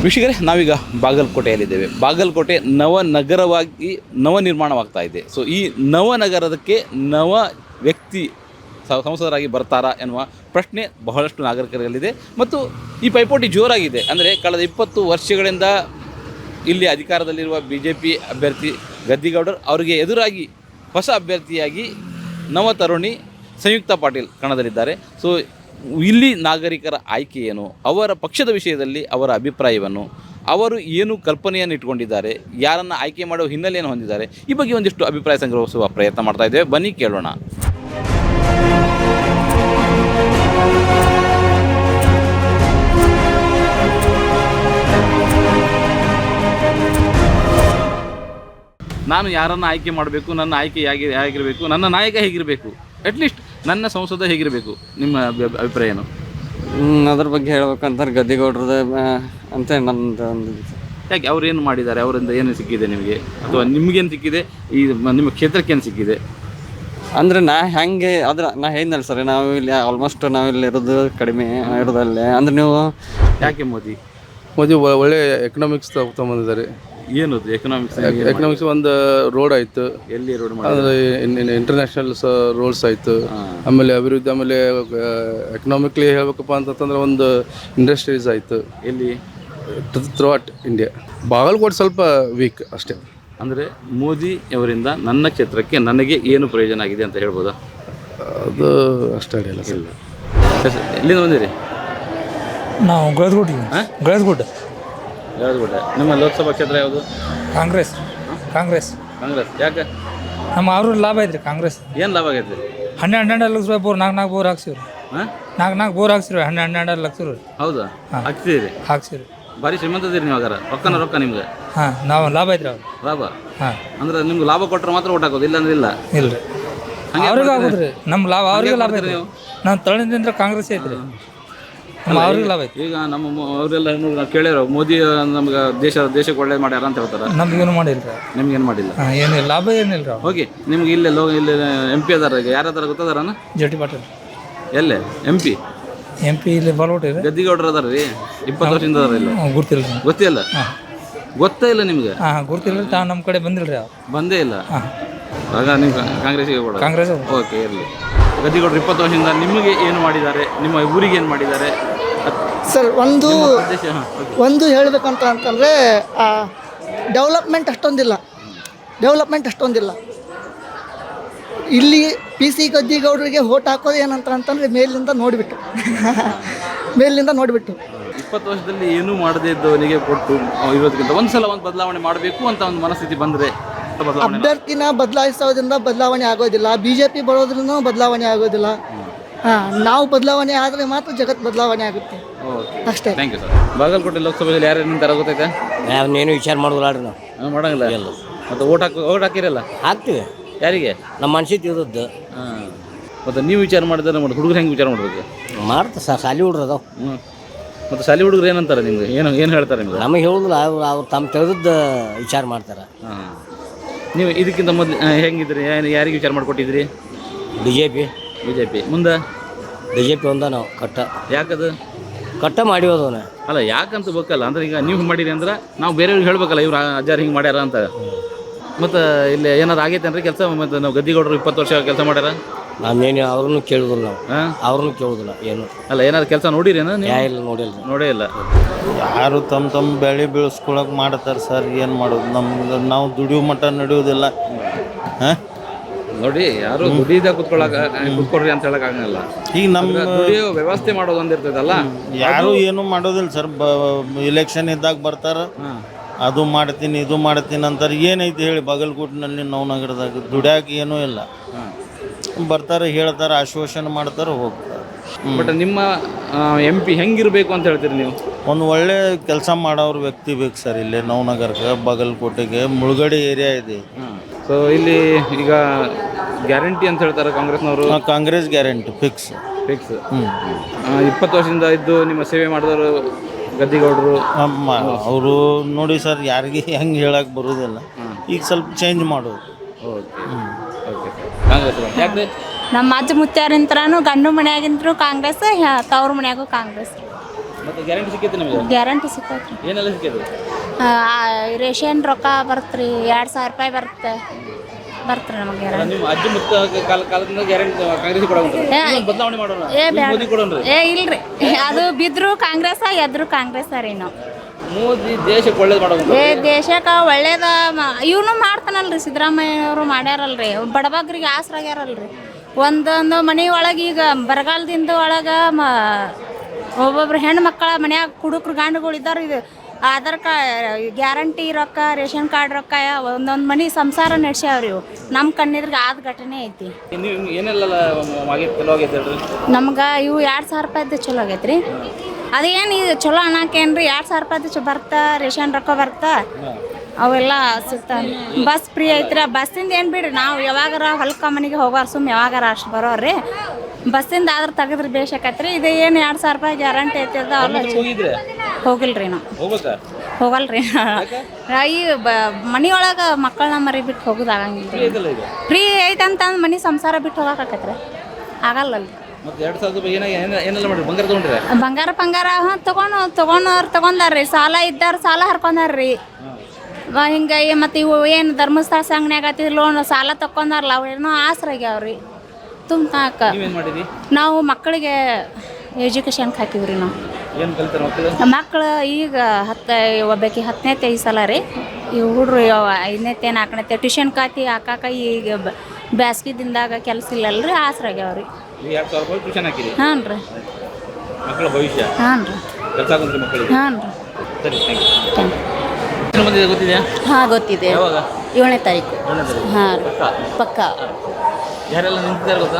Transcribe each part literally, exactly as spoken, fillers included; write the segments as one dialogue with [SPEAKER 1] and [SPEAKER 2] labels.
[SPEAKER 1] ವೀಕ್ಷಕರೇ, ನಾವೀಗ ಬಾಗಲಕೋಟೆಯಲ್ಲಿದ್ದೇವೆ. ಬಾಗಲಕೋಟೆ ನವನಗರವಾಗಿ ನವ ನಿರ್ಮಾಣವಾಗ್ತಾ ಇದೆ. ಸೊ ಈ ನವನಗರದಕ್ಕೆ ನವ ವ್ಯಕ್ತಿ ಸಂಸದರಾಗಿ ಬರ್ತಾರಾ ಎನ್ನುವ ಪ್ರಶ್ನೆ ಬಹಳಷ್ಟು ನಾಗರಿಕರಲ್ಲಿದೆ. ಮತ್ತು ಈ ಪೈಪೋಟಿ ಜೋರಾಗಿದೆ. ಅಂದರೆ ಕಳೆದ ಇಪ್ಪತ್ತು ವರ್ಷಗಳಿಂದ ಇಲ್ಲಿ ಅಧಿಕಾರದಲ್ಲಿರುವ ಬಿ ಜೆ ಪಿ ಅಭ್ಯರ್ಥಿ ಗದ್ದಿಗೌಡರು ಅವರಿಗೆ ಎದುರಾಗಿ ಹೊಸ ಅಭ್ಯರ್ಥಿಯಾಗಿ ನವ ತರುಣಿ ಸಂಯುಕ್ತ ಪಾಟೀಲ್ ಕಣದಲ್ಲಿದ್ದಾರೆ. ಸೊ ಇಲ್ಲಿ ನಾಗರಿಕರ ಆಯ್ಕೆ ಏನು, ಅವರ ಪಕ್ಷದ ವಿಷಯದಲ್ಲಿ ಅವರ ಅಭಿಪ್ರಾಯವನ್ನು, ಅವರು ಏನು ಕಲ್ಪನೆಯನ್ನು ಇಟ್ಕೊಂಡಿದ್ದಾರೆ, ಯಾರನ್ನು ಆಯ್ಕೆ ಮಾಡುವ ಹಿನ್ನೆಲೆಯನ್ನು ಹೊಂದಿದ್ದಾರೆ, ಈ ಬಗ್ಗೆ ಒಂದಿಷ್ಟು ಅಭಿಪ್ರಾಯ ಸಂಗ್ರಹಿಸುವ ಪ್ರಯತ್ನ ಮಾಡ್ತಾ ಇದ್ದೇವೆ. ಬನ್ನಿ ಕೇಳೋಣ. ನಾನು ಯಾರನ್ನು ಆಯ್ಕೆ ಮಾಡಬೇಕು, ನನ್ನ ಆಯ್ಕೆ ಹೇಗೆ ಹೇಗಿರಬೇಕು, ನನ್ನ ನಾಯಕ ಹೇಗಿರಬೇಕು, ಅಟ್ಲೀಸ್ಟ್ ನನ್ನ ಸಂಸದ ಹೇಗಿರಬೇಕು, ನಿಮ್ಮ ಅಭಿಪ್ರಾಯ ಏನು?
[SPEAKER 2] ಅದ್ರ ಬಗ್ಗೆ ಹೇಳ್ಬೇಕಂತಾರೆ ಗದ್ದಿಗೌಡ್ರದ ಅಂತ ನನ್ನದು ಒಂದು.
[SPEAKER 1] ಯಾಕೆ ಅವ್ರೇನು ಮಾಡಿದ್ದಾರೆ, ಅವರಿಂದ ಏನು ಸಿಕ್ಕಿದೆ ನಿಮಗೆ, ಅಥವಾ ನಿಮಗೇನು ಸಿಕ್ಕಿದೆ, ಈ ನಿಮ್ಮ ಕ್ಷೇತ್ರಕ್ಕೆ ಏನು ಸಿಕ್ಕಿದೆ?
[SPEAKER 2] ಅಂದರೆ ನಾ ಹೆಂಗೆ ಅದ್ರ ನಾ ಹೇಳಿದ್ನಲ್ಲ ಸರ್, ನಾವು ಇಲ್ಲಿ ಆಲ್ಮೋಸ್ಟ್ ನಾವಿಲ್ಲಿ ಇರೋದು ಕಡಿಮೆ ಇರೋದಲ್ಲೇ. ಅಂದರೆ ನೀವು
[SPEAKER 1] ಯಾಕೆ ಮೋದಿ
[SPEAKER 3] ಮೋದಿ ಒಳ್ಳೆ ಎಕನಾಮಿಕ್ಸ್ ತಗೊಂಬಂದಿದ್ದಾರೆ.
[SPEAKER 1] ಏನು ಎಕನಾಮಿಕ್ಸ್?
[SPEAKER 3] ಎಕನಾಮಿಕ್ಸ್ ಒಂದು ರೋಡ್ ಆಯಿತು,
[SPEAKER 1] ಎಲ್ಲಿ ರೋಡ್
[SPEAKER 3] ಅಂದರೆ ಇಂಟರ್ನ್ಯಾಷನಲ್ ರೋಡ್ಸ್ ಆಯಿತು. ಆಮೇಲೆ ಅಭಿವೃದ್ಧಿ, ಆಮೇಲೆ ಎಕನಾಮಿಕ್ಲಿ ಹೇಳ್ಬೇಕಪ್ಪ ಅಂತಂದ್ರೆ ಒಂದು ಇಂಡಸ್ಟ್ರೀಸ್ ಆಯಿತು
[SPEAKER 1] ಎಲ್ಲಿ
[SPEAKER 3] ಥ್ರೂ ಔಟ್ ಇಂಡಿಯಾ. ಬಾಗಲಕೋಟೆ ಸ್ವಲ್ಪ ವೀಕ್ ಅಷ್ಟೇ.
[SPEAKER 1] ಅಂದರೆ ಮೋದಿ ಅವರಿಂದ ನನ್ನ ಕ್ಷೇತ್ರಕ್ಕೆ ನನಗೆ ಏನು ಪ್ರಯೋಜನ ಆಗಿದೆ ಅಂತ ಹೇಳ್ಬೋದಾ?
[SPEAKER 3] ಅದು ಅಷ್ಟೇ ಅಡಿಯಲ್ಲ ಸರ್.
[SPEAKER 1] ಎಲ್ಲಿಂದ ಬಂದಿರಿ?
[SPEAKER 4] ನಾವು ಗಳದಗುಡ್ಡ ಗಳದಗುಡ್ಡ
[SPEAKER 1] ಗಳದಗುಡ್ಡ. ನಿಮ್ಮ ಲೋಕಸಭಾ ಕ್ಷೇತ್ರ ಯಾವುದು?
[SPEAKER 4] ಕಾಂಗ್ರೆಸ್. ಕಾಂಗ್ರೆಸ್
[SPEAKER 1] ಕಾಂಗ್ರೆಸ್. ಯಾಕೆ?
[SPEAKER 4] ನಮ್ಮ ಅವ್ರ ಲಾಭ ಐತ್ರಿ ಕಾಂಗ್ರೆಸ್.
[SPEAKER 1] ಏನು ಲಾಭ ಆಗೈತೆ?
[SPEAKER 4] ಹನ್ನೆರಡು ಹನ್ನೆರಡು ಲಕ್ಷ ರೂಪಾಯಿ ಬೋರ್ ನಾಲ್ಕು ನಾಲ್ಕು ಬೋರ್ ಹಾಕ್ಸಿವ್ರಿ.
[SPEAKER 1] ಹಾಂ,
[SPEAKER 4] ನಾಲ್ಕು ನಾಲ್ಕು ಬೋರ್ ಹಾಕ್ಸಿರಿ. ಹನ್ನೆರಡು ಹನ್ನೆರಡು ಲಕ್ಷ ರೀ.
[SPEAKER 1] ಹೌದಾ? ಹಾಕ್ತಿದ್ದೀರಿ?
[SPEAKER 4] ಹಾಕ್ಸಿರಿ.
[SPEAKER 1] ಭಾರಿ ಶ್ರೀಮಂತದಿರಿ ನೀವು ಹಾಗಾರ. ರೊಕ್ಕನ ರೊಕ್ಕ ನಿಮ್ಗೆ.
[SPEAKER 4] ಹಾಂ, ನಾವು ಲಾಭ ಐತ್ರಿ ಅವ್ರು.
[SPEAKER 1] ಲಾಭ?
[SPEAKER 4] ಹಾಂ.
[SPEAKER 1] ಅಂದ್ರೆ ನಿಮ್ಗೆ ಲಾಭ ಕೊಟ್ಟರೆ ಮಾತ್ರ ಓಟ್ ಹಾಕೋದು, ಇಲ್ಲ ಅಂದ್ರೆ ಇಲ್ಲ?
[SPEAKER 4] ಇಲ್ಲ ರೀ, ಅವ್ರಿಗೆ ಆಗೋದ್ರಿ. ನಮ್ಮ ಲಾಭ ಅವ್ರಿಗೆ ಲಾಭ ಐತ್ರಿ. ನಾವು ತಳದಿಂದ ಕಾಂಗ್ರೆಸ್ ಐತ್ರಿ, ನಮ್ಮ ಅವ್ರಿಗೆ ಲಾಭ ಐತಿ.
[SPEAKER 1] ಈಗ ನಮ್ಮ ಅವರೆಲ್ಲ ನಾವು ಕೇಳ್ಯಾರ, ಮೋದಿ ನಮ್ಗೆ ದೇಶ ದೇಶಕ್ಕೆ ಒಳ್ಳೇದು ಮಾಡ್ಯಾರ ಅಂತ ಹೇಳ್ತಾರೆ.
[SPEAKER 4] ನಮ್ಗೇನು ಮಾಡಿಲ್ಲ.
[SPEAKER 1] ನಿಮ್ಗೇನು ಮಾಡಿಲ್ಲ?
[SPEAKER 4] ಹಾಂ, ಏನಿಲ್ಲ, ಲಾಭ ಏನಿಲ್ಲ ರೀ.
[SPEAKER 1] ಓಕೆ, ನಿಮ್ಗೆ ಇಲ್ಲೇ ಲೋ ಇಲ್ಲಿ ಎಂ ಪಿ ಅದಾರ, ಈಗ ಯಾರದಾರ ಗೊತ್ತದಾರನ?
[SPEAKER 4] J T Patil.
[SPEAKER 1] ಎಲ್ಲೇ ಎಂ ಪಿ?
[SPEAKER 4] ಎಂ ಪಿ ಇಲ್ಲಿ ಬಾಲ್ಕೋಟೆ ಇದೆ.
[SPEAKER 1] ಗದ್ದಿಗೌಡರು ಅದಾರ ರೀ, ಇಪ್ಪತ್ತು ವರ್ಷದಿಂದ ಅದಾರ. ಇಲ್ಲ
[SPEAKER 4] ಗೊತ್ತಿಲ್ಲ ರೀ.
[SPEAKER 1] ಗೊತ್ತಿಲ್ಲ? ಹಾಂ, ಗೊತ್ತೇ ಇಲ್ಲ ನಿಮ್ಗೆ?
[SPEAKER 4] ಹಾಂ, ಗೊತ್ತಿಲ್ಲ ರೀ. ತಾ ನಮ್ಮ ಕಡೆ ಬಂದಿಲ್ಲ ರೀ, ಅವ್ರು
[SPEAKER 1] ಬಂದೇ ಇಲ್ಲ.
[SPEAKER 4] ಹಾಂ,
[SPEAKER 1] ಆಗ ನೀವು ಕಾಂಗ್ರೆಸ್ಸಿಗೆ ಕೂಡ?
[SPEAKER 4] ಕಾಂಗ್ರೆಸ್.
[SPEAKER 1] ಓಕೆ, ಇರಲಿ. ಗದ್ದಿಗೌಡರು ಇಪ್ಪತ್ತು ವರ್ಷದಿಂದ ನಿಮಗೆ ಏನು ಮಾಡಿದ್ದಾರೆ, ನಿಮ್ಮ ಊರಿಗೆ ಏನು ಮಾಡಿದ್ದಾರೆ
[SPEAKER 5] ಸರ್? ಒಂದು
[SPEAKER 1] ಉದ್ದೇಶ? ಹಾಂ,
[SPEAKER 5] ಒಂದು ಹೇಳಬೇಕಂತ ಅಂತಂದರೆ ಡೆವಲಪ್ಮೆಂಟ್ ಅಷ್ಟೊಂದಿಲ್ಲ. ಡೆವಲಪ್ಮೆಂಟ್ ಅಷ್ಟೊಂದಿಲ್ಲ ಇಲ್ಲಿ. ಪಿ ಸಿ ಗದ್ದಿಗೌಡರಿಗೆ ಓಟ್ ಹಾಕೋದು ಏನಂತ ಅಂತಂದರೆ ಮೇಲಿಂದ ನೋಡಿಬಿಟ್ಟು ಮೇಲಿಂದ ನೋಡಿಬಿಟ್ಟು
[SPEAKER 1] ಇಪ್ಪತ್ತು ವರ್ಷದಲ್ಲಿ ಏನೂ ಮಾಡದೇ ಇದ್ದವನಿಗೆ ಕೊಟ್ಟು ಇರೋದಕ್ಕಿಂತ ಒಂದು ಸಲ ಒಂದು ಬದಲಾವಣೆ ಮಾಡಬೇಕು ಅಂತ ಒಂದು ಮನಸ್ಥಿತಿ ಬಂದರೆ
[SPEAKER 5] ಅಭ್ಯರ್ಥಿನ ಬದಲಾಯಿಸೋದ್ರಿಂದ ಬದಲಾವಣೆ ಆಗೋದಿಲ್ಲ. ಬಿ ಜೆ ಪಿ ಬರೋದ್ರೂ ಬದಲಾವಣೆ ಆಗೋದಿಲ್ಲ. ಹಾಂ, ನಾವು ಬದಲಾವಣೆ ಆದರೆ ಮಾತ್ರ ಜಗತ್ತು ಬದಲಾವಣೆ ಆಗುತ್ತೆ. ಅಷ್ಟೇ.
[SPEAKER 1] Thank you sir. ಬಾಗಲಕೋಟೆ ಲೋಕಸಭೆಯಲ್ಲಿ ಯಾರು ನಿಂತಾರ ಗೊತ್ತೈತೆ?
[SPEAKER 2] ನಾವೇನು ವಿಚಾರ ಮಾಡೋದಿಲ್ಲ ರೀ. ನಾವು
[SPEAKER 1] ಮಾಡಂಗಿಲ್ಲ ಎಲ್ಲ. ಮತ್ತು ಓಟ್ ಹಾಕಿ ಓಟ್ ಹಾಕಿರಲ್ಲ?
[SPEAKER 2] ಹಾಕ್ತೀವಿ.
[SPEAKER 1] ಯಾರಿಗೆ?
[SPEAKER 2] ನಮ್ಮ ಮನ್ಸಿ ತಿಳಿದದ್ದು.
[SPEAKER 1] ಹಾಂ, ಮತ್ತು ನೀವು ವಿಚಾರ ಮಾಡಿದ್ರೆ ಮಾಡಿ, ಹುಡುಗರು ಹೆಂಗೆ ವಿಚಾರ ಮಾಡ್ಬೇಕು?
[SPEAKER 2] ಮಾಡ್ತಾ ಸರ್, ಸಾಲಿ ಹುಡ್ರು ಅದಾವ.
[SPEAKER 1] ಹ್ಞೂ, ಮತ್ತು ಶಾಲಿ ಹುಡುಗರು ಏನಂತಾರೆ ನಿಮ್ಗೆ? ಏನು ಏನು ಹೇಳ್ತಾರೆ ನಿಮ್ಗೆ?
[SPEAKER 2] ನಮಗೆ ಹೇಳುದಿಲ್ಲ, ಅವ್ರು ಅವ್ರು ತಮ್ಮ ತಿಳಿದದ್ದು ವಿಚಾರ ಮಾಡ್ತಾರೆ.
[SPEAKER 1] ಹಾಂ, ನೀವು ಇದಕ್ಕಿಂತ ಮೊದಲು ಹೆಂಗಿದ್ರಿ? ಏನು ಯಾರಿಗೆ ವಿಚಾರ ಮಾಡಿಕೊಟ್ಟಿದ್ರಿ?
[SPEAKER 2] B J P.
[SPEAKER 1] B J P ಮುಂದೆ
[SPEAKER 2] ಬಿ ಜೆ ಪಿ ಒಂದ ನಾವು ಕಟ್ಟ.
[SPEAKER 1] ಯಾಕದು
[SPEAKER 2] ಕಟ್ಟ ಮಾಡಿರೋದವನ
[SPEAKER 1] ಅಲ್ಲ, ಯಾಕಂತ ಬೇಕಲ್ಲ. ಅಂದ್ರೆ ಈಗ ನೀವು ಮಾಡಿರಿ ಅಂದ್ರೆ ನಾವು ಬೇರೆಯವ್ರಿಗೆ ಹೇಳ್ಬೇಕಲ್ಲ, ಇವ್ರು ಅಜ್ಜಾರು ಹಿಂಗೆ ಮಾಡ್ಯಾರ ಅಂತ. ಮತ್ತು ಇಲ್ಲಿ ಏನಾರು ಆಗೈತೆ ಅಂದ್ರೆ ಕೆಲಸ? ಮತ್ತು ನಾವು ಗದ್ದಿಗೌಡರು ಇಪ್ಪತ್ತು ವರ್ಷ ಕೆಲಸ ಮಾಡ್ಯಾರ.
[SPEAKER 2] ನಾವೇನು ಅವ್ರನ್ನೂ ಕೇಳುದಿಲ್ಲ, ನಾವು
[SPEAKER 1] ಹಾಂ,
[SPEAKER 2] ಅವ್ರನ್ನೂ ಕೇಳುದಿಲ್ಲ. ಏನು
[SPEAKER 1] ಅಲ್ಲ, ಏನಾದ್ರು ಕೆಲಸ ನೋಡಿರೇನ ನೀವು?
[SPEAKER 2] ಇಲ್ಲ, ನೋಡಿಲ್ಲ.
[SPEAKER 1] ನೋಡೇ ಇಲ್ಲ.
[SPEAKER 6] ಯಾರು ತಮ್ಮ ತಮ್ಮ ಬೆಳೆ ಬೆಳೆಸ್ಕೊಳಕ್ಕೆ ಮಾಡ್ತಾರೆ ಸರ್. ಏನು ಮಾಡೋದು? ನಮ್ಗೆ ನಾವು ದುಡಿಯೋ ಮಟ್ಟ ನಡೆಯೋದಿಲ್ಲ. ಹಾಂ,
[SPEAKER 1] ನೋಡಿ, ಯಾರು ದುಡಿದ ಕುತ್ಕೊಳಕ ಕುತ್ಕೊಡ್ರಿ ಅಂತ ಹೇಳಕ್ ಆಗಲ್ಲ.
[SPEAKER 6] ಈಗ ನಮ್ಮ
[SPEAKER 1] ದುಡಿಯೋ ವ್ಯವಸ್ಥೆ ಮಾಡೋದು ಒಂದಿರ್ತದಲ್ಲ,
[SPEAKER 6] ಯಾರು ಏನು ಮಾಡೋದಿಲ್ಲ ಸರ್. ಬ ಇಲೆಕ್ಷನ್ ಇದ್ದಾಗ ಬರ್ತಾರೆ, ಅದು ಮಾಡ್ತೀನಿ ಇದು ಮಾಡ್ತೀನಿ ಅಂತಾರೆ. ಏನೈತಿ ಹೇಳಿ ಬಾಗಲಕೋಟಿನಲ್ಲಿ ನವನಗರದಾಗ ದುಡ್ಯಾಕ ಏನೂ ಇಲ್ಲ. ಬರ್ತಾರೆ, ಹೇಳ್ತಾರೆ, ಆಶ್ವಾಸನೆ ಮಾಡ್ತಾರೆ, ಹೋಗ್ತಾರೆ.
[SPEAKER 1] ಬಟ್ ನಿಮ್ಮ ಎಂ ಪಿ ಹೆಂಗಿರ್ಬೇಕು ಅಂತ ಹೇಳ್ತೀರಿ ನೀವು?
[SPEAKER 6] ಒಂದು ಒಳ್ಳೆ ಕೆಲಸ ಮಾಡೋರು ವ್ಯಕ್ತಿ ಬೇಕು ಸರ್. ಇಲ್ಲಿ ನವನಗರಕ್ಕೆ, ಬಾಗಲಕೋಟೆಗೆ ಮುಳುಗಡೆ ಏರಿಯಾ ಇದೆ.
[SPEAKER 1] ಸೊ ಇಲ್ಲಿ ಈಗ ಗ್ಯಾರಂಟಿ ಅಂತ ಹೇಳ್ತಾರೆ ಕಾಂಗ್ರೆಸ್ನವರು.
[SPEAKER 6] Congress guarantee fix
[SPEAKER 1] fix. ಇಪ್ಪತ್ತು ವರ್ಷದಿಂದ ಇದ್ದು ನಿಮ್ಮ ಸೇವೆ ಮಾಡಿದವರು ಗದ್ದಿಗೌಡರು.
[SPEAKER 6] ಅವರು ನೋಡಿ ಸರ್, ಯಾರಿಗೆ ಹೆಂಗೆ ಹೇಳಕ್ಕೆ ಬರೋದಿಲ್ಲ. ಈಗ ಸ್ವಲ್ಪ ಚೇಂಜ್ ಮಾಡೋದು.
[SPEAKER 1] Okay okay. ಕಾಂಗ್ರೆಸ್ ಯಾಕೆ?
[SPEAKER 7] ನಮ್ಮ ಅಜ್ಜ ಮುತ್ಯಾರಿಂತ್ರನು ಗಂಡು ಮನೆಯಾಗಿಂದ್ರು ಕಾಂಗ್ರೆಸ್, ತವ್ರ ಮನ್ಯಾಗೂ ಕಾಂಗ್ರೆಸ್.
[SPEAKER 1] ಮತ್ತೆ ಗ್ಯಾರಂಟಿ ಸಿಕ್ಕೈತೆ ನಿಮಗೆ?
[SPEAKER 7] ಗ್ಯಾರಂಟಿ ಸಿಕ್ಕೈತ್ರಿ.
[SPEAKER 1] ಏನೆಲ್ಲ ಸಿಕ್ಕೈತೆ?
[SPEAKER 7] ರೇಷನ್ ರೊಕ್ಕ ಬರುತ್ತೆ ಎರಡು ಸಾವಿರ ರೂಪಾಯಿ ಬರುತ್ತೆ ಬರ್ತ್ರಿ ನಮಗೆ ಗ್ಯಾರಂಟಿ.
[SPEAKER 1] ನಿಮ್ಮ ಅಜ್ಜಿ ಮುತ್ತ ಕಾಲ ಕಾಲದಿಂದ ಗ್ಯಾರಂಟಿ ಕಾಂಗ್ರೆಸ್ ಕೊಡೋಣ ಬದಲಾವಣೆ ಮಾಡೋಣ.
[SPEAKER 7] ಏ
[SPEAKER 1] ಮೋದಿ ಕೊಡೋಣ್ರಿ.
[SPEAKER 7] ಏ ಇಲ್ರಿ, ಅದು ಬಿದ್ರು ಕಾಂಗ್ರೆಸ್ ಎದ್ರು ಕಾಂಗ್ರೆಸ್ ರೀ ನಾವು.
[SPEAKER 1] ಮೋದಿ ದೇಶಕ್ಕೆ ಒಳ್ಳೇದು ಮಾಡೋದು.
[SPEAKER 7] ಏ ದೇಶಕ್ಕೆ ಒಳ್ಳೇದ ಇವನು ಮಾಡ್ತಾನಲ್ರಿ, ಸಿದ್ದರಾಮಯ್ಯ ಅವರು ಮಾಡ್ಯಾರಲ್ರಿ, ಬಡಬಗ್ರಿಗೆ ಆಸರಾಗ್ಯಾರಲ್ರಿ. ಒಂದೊಂದು ಮನೆ ಒಳಗೆ ಈಗ ಬರಗಾಲದಿಂದ ಒಳಗೆ ಮ ಒಬ್ಬೊಬ್ರು ಹೆಣ್ಣು ಮಕ್ಕಳ ಮನ್ಯಾಗ ಕುಡುಕ್ರು ಗಂಡುಗಳು ಇದ್ದಾರೆ. ಇದು ಆಧಾರ್ ಕಾರ್ಡ್ ಗ್ಯಾರಂಟಿ ರೊಕ್ಕ, ರೇಷನ್ ಕಾರ್ಡ್ ರೊಕ್ಕ ಒಂದೊಂದು ಮನೆ ಸಂಸಾರ ನಡೆಸ್ಯಾವ್ರಿ ಇವು. ನಮ್ಮ ಕಣ್ಣಿದ್ರಿಗೆ ಆದ ಘಟನೆ ಐತಿ.
[SPEAKER 1] ನೀವು ಏನೆಲ್ಲ ಆಗೈತೆ ಚಲೋ ಆಗೈತೆ ಹೇಳ್ರಿ?
[SPEAKER 7] ನಮ್ಗೆ ಇವು ಎರಡು ಸಾವಿರ ರೂಪಾಯ್ದು ಚಲೋ ಆಗೈತೆ ರೀ. ಅದೇನು ಇದು ಚಲೋ ಅನ್ನಕ್ಕೇನು ರೀ, ಎರಡು ಸಾವಿರ ರೂಪಾಯ್ದು ಚ ಬರ್ತಾ ರೇಷನ್ ರೊಕ್ಕ ಬರ್ತಾ ಅವೆಲ್ಲ ಸಿಗ್ತಾವೆ. ಬಸ್ ಫ್ರೀ ಐತ್ರಿ. ಬಸ್ಸಿಂದ ಏನು ಬಿಡ್ರಿ, ನಾವು ಯಾವಾಗಾರ ಹೊಲಕ್ಕೆ ಮನೆಗೆ ಹೋಗೋರು ಸುಮ್ಮ ಯಾವಾಗಾರ ಅಷ್ಟು ಬರೋರಿ. ಬಸ್ಸಿಂದ ಆದ್ರೆ ತೆಗೆದ್ರೆ ಬೇಷಾಕೈತ್ರಿ. ಇದು ಏನು ಎರಡು ಸಾವಿರ ರೂಪಾಯಿ ಗ್ಯಾರಂಟಿ ಐತಿ ಅದ ಅವ್ರು
[SPEAKER 1] ಹೋಗಿದ್ರೆ
[SPEAKER 7] ಹೋಗಿಲ್ರಿ ನಾವು.
[SPEAKER 1] ಹೋಗ್ಬೇಕಾ?
[SPEAKER 7] ಹೋಗಲ್ರಿ. ಈ ಬ ಮನೆಯೊಳಗೆ ಮಕ್ಕಳನ್ನ ಮರಿ ಬಿಟ್ಟು ಹೋಗೋದು ಆಗಂಗಿಲ್ಲ. ಫ್ರೀ ಐತೆ ಅಂತ ಅಂದ್ ಮನೆ ಸಂಸಾರ ಬಿಟ್ಟು ಹೋಗಕೈತ್ರಿ, ಆಗಲ್ಲಲ್ರಿ.
[SPEAKER 1] ಮತ್ತೆ ಎರಡು ಸಾವಿರ ರೂಪಾಯಿ ಏನಾಗ ಏನೆಲ್ಲ ಮಾಡ್ರಿ? ಬಂಗಾರ ತೊಗೊಂಡ್ರೆ?
[SPEAKER 7] ಬಂಗಾರ ಬಂಗಾರ ಹಾಂ ತೊಗೊಂಡು ತೊಗೊಂಡವ್ರು ತೊಗೊಂಡಾರ್ರಿ. ಸಾಲ ಇದ್ದಾರ ಸಾಲ ಹರ್ಕೊಂಡಾರ್ರಿ. ಹಿಂಗೆ ಮತ್ತು ಇವು ಏನು ಧರ್ಮಸ್ಥಳ ಸಂಘನ್ಯಾಗ ಆತಿ ಲೋನ್ ಸಾಲ ತಕೊಂಡಾರಲ್ಲ ಅವು ಏನೋ ಆಸರಾಗ್ಯಾವ್ರಿ ತುಂಬಾಕ.
[SPEAKER 1] ನೀವೇನು ಮಾಡಿರಿ?
[SPEAKER 7] ನಾವು ಮಕ್ಕಳಿಗೆ ಎಜುಕೇಷನ್ಗೆ ಹಾಕಿವ್ರಿ. ನಾವು
[SPEAKER 1] ಏನು ಕಲಿತಾರೆ ಮಕ್ಕಳು?
[SPEAKER 7] ಮಕ್ಕಳು ಈಗ ಹತ್ತು ಒಬ್ಬಾಕಿ ಹತ್ತನೇತೆ ಈ ಸಲ ರೀ. ಇವು ಹುಡ್ರು ಐದನೇತೆ ನಾಲ್ಕನೇತೆ ಟ್ಯೂಷನ್ ಕಾತಿ ಹಾಕಾಕ ಈಗ ಬ್ಯಾಸ್ಗಿ ದಿನದಾಗ ಕೆಲಸ ಇಲ್ಲಲ್ರಿ, ಆಸರಾಗ್ಯಾವ್ರಿ.
[SPEAKER 1] ಎರಡು ಸಾವಿರ ರೂಪಾಯಿ ಟ್ಯೂಷನ್ ಹಾಕಿರಿ?
[SPEAKER 7] ಹಾಂ ರೀ.
[SPEAKER 1] ಮಕ್ಕಳ ಭವಿಷ್ಯ
[SPEAKER 7] ಹಾಂ ರೀ.
[SPEAKER 1] ಕೆಲಸ ಆಗುತ್ತೆ ಮಕ್ಕಳಿಗೆ?
[SPEAKER 7] ಹಾಂ ರೀ.
[SPEAKER 1] ಸರಿ, ಥ್ಯಾಂಕ್ ಯು.
[SPEAKER 7] Thank you.
[SPEAKER 1] ಎಷ್ಟು ಮಂದಿ ಗೊತ್ತಿದೆಯಾ?
[SPEAKER 8] ಹಾಂ ಗೊತ್ತಿದೆ.
[SPEAKER 1] ಯಾವಾಗ?
[SPEAKER 8] ಏಳನೇ ತಾರೀಕು. ಹಾಂ ಪಕ್ಕ.
[SPEAKER 1] ಯಾರೆಲ್ಲ ನಿಂತಿದ್ದಾರೆ ಗೊತ್ತಾ?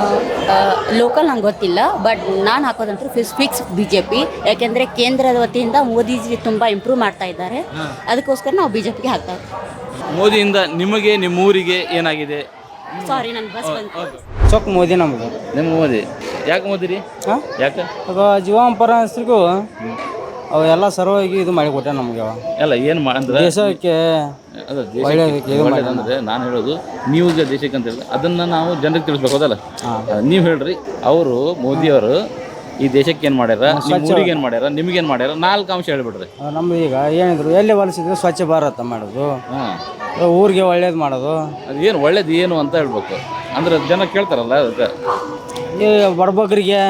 [SPEAKER 8] ಲೋಕಲ್ ನಂಗೆ ಗೊತ್ತಿಲ್ಲ, ಬಟ್ ನಾನು ಹಾಕೋದಂತೂ fix fix B J P. ಯಾಕೆಂದರೆ ಕೇಂದ್ರದ ವತಿಯಿಂದ ಮೋದಿಜಿ ತುಂಬ ಇಂಪ್ರೂವ್ ಮಾಡ್ತಾ ಇದ್ದಾರೆ, ಅದಕ್ಕೋಸ್ಕರ ನಾವು ಬಿ ಜೆ ಪಿಗೆ ಹಾಕ್ತಾ ಇದ್ದೀವಿ.
[SPEAKER 1] ಮೋದಿಯಿಂದ ನಿಮಗೆ ನಿಮ್ಮ ಊರಿಗೆ ಏನಾಗಿದೆ?
[SPEAKER 8] ಸಾರಿ ನನ್ನ ಬಸ್ ಬಂತು.
[SPEAKER 9] ಚೊಕ್ ಮೋದಿ ನಮ್ಗೆ.
[SPEAKER 1] ನಿಮ್ಮ ಮೋದಿ ಯಾಕೆ ಮೋದಿ ರೀ? ಹಾಂ ಯಾಕೆ?
[SPEAKER 9] ಅದು ಜೀವಾಂಪರ ಹೆಸರಿಗೂ ಅವೆಲ್ಲ ಸರ್ವಾಗಿ ಇದು ಮಾಡಿ ಕೊಟ್ಟೆ ನಮಗೆ.
[SPEAKER 1] ಅಲ್ಲ ಏನು ಅಂದ್ರೆ
[SPEAKER 9] ದೇಶಕ್ಕೆ
[SPEAKER 1] ಅಲ್ಲ ಒಳ್ಳೇದಂದ್ರೆ ನಾನು ಹೇಳೋದು ನೀವು ಈಗ ದೇಶಕ್ಕೆ ಅಂತ ಹೇಳಿದ್ರೆ ಅದನ್ನು ನಾವು ಜನರಿಗೆ ತಿಳಿಸ್ಬೇಕು, ಅದಲ್ಲ? ನೀವು ಹೇಳ್ರಿ, ಅವರು ಮೋದಿಯವರು ಈ ದೇಶಕ್ಕೆ ಏನು ಮಾಡ್ಯಾರ, ನಿಮ್ಮ ಊರಿಗೆ ಏನು ಮಾಡ್ಯಾರ, ನಿಮ್ಗೇನು ಮಾಡ್ಯಾರ, ನಾಲ್ಕು ಅಂಶ ಹೇಳ್ಬಿಡ್ರಿ.
[SPEAKER 9] ನಮ್ದು ಈಗ ಏನಿದ್ರು ಎಲ್ಲಿ ಹೊಲಿಸಿದ್ರು ಸ್ವಚ್ಛ ಭಾರತ ಮಾಡೋದು,
[SPEAKER 1] ಹಾಂ
[SPEAKER 9] ಊರಿಗೆ ಒಳ್ಳೇದು ಮಾಡೋದು.
[SPEAKER 1] ಅದು ಏನು ಒಳ್ಳೇದು ಏನು ಅಂತ ಹೇಳ್ಬೇಕು, ಅಂದ್ರೆ ಜನ ಕೇಳ್ತಾರಲ್ಲ ಅದಕ್ಕೆ.
[SPEAKER 9] ಈ ಬಡಬಗ್ರಿಗೆ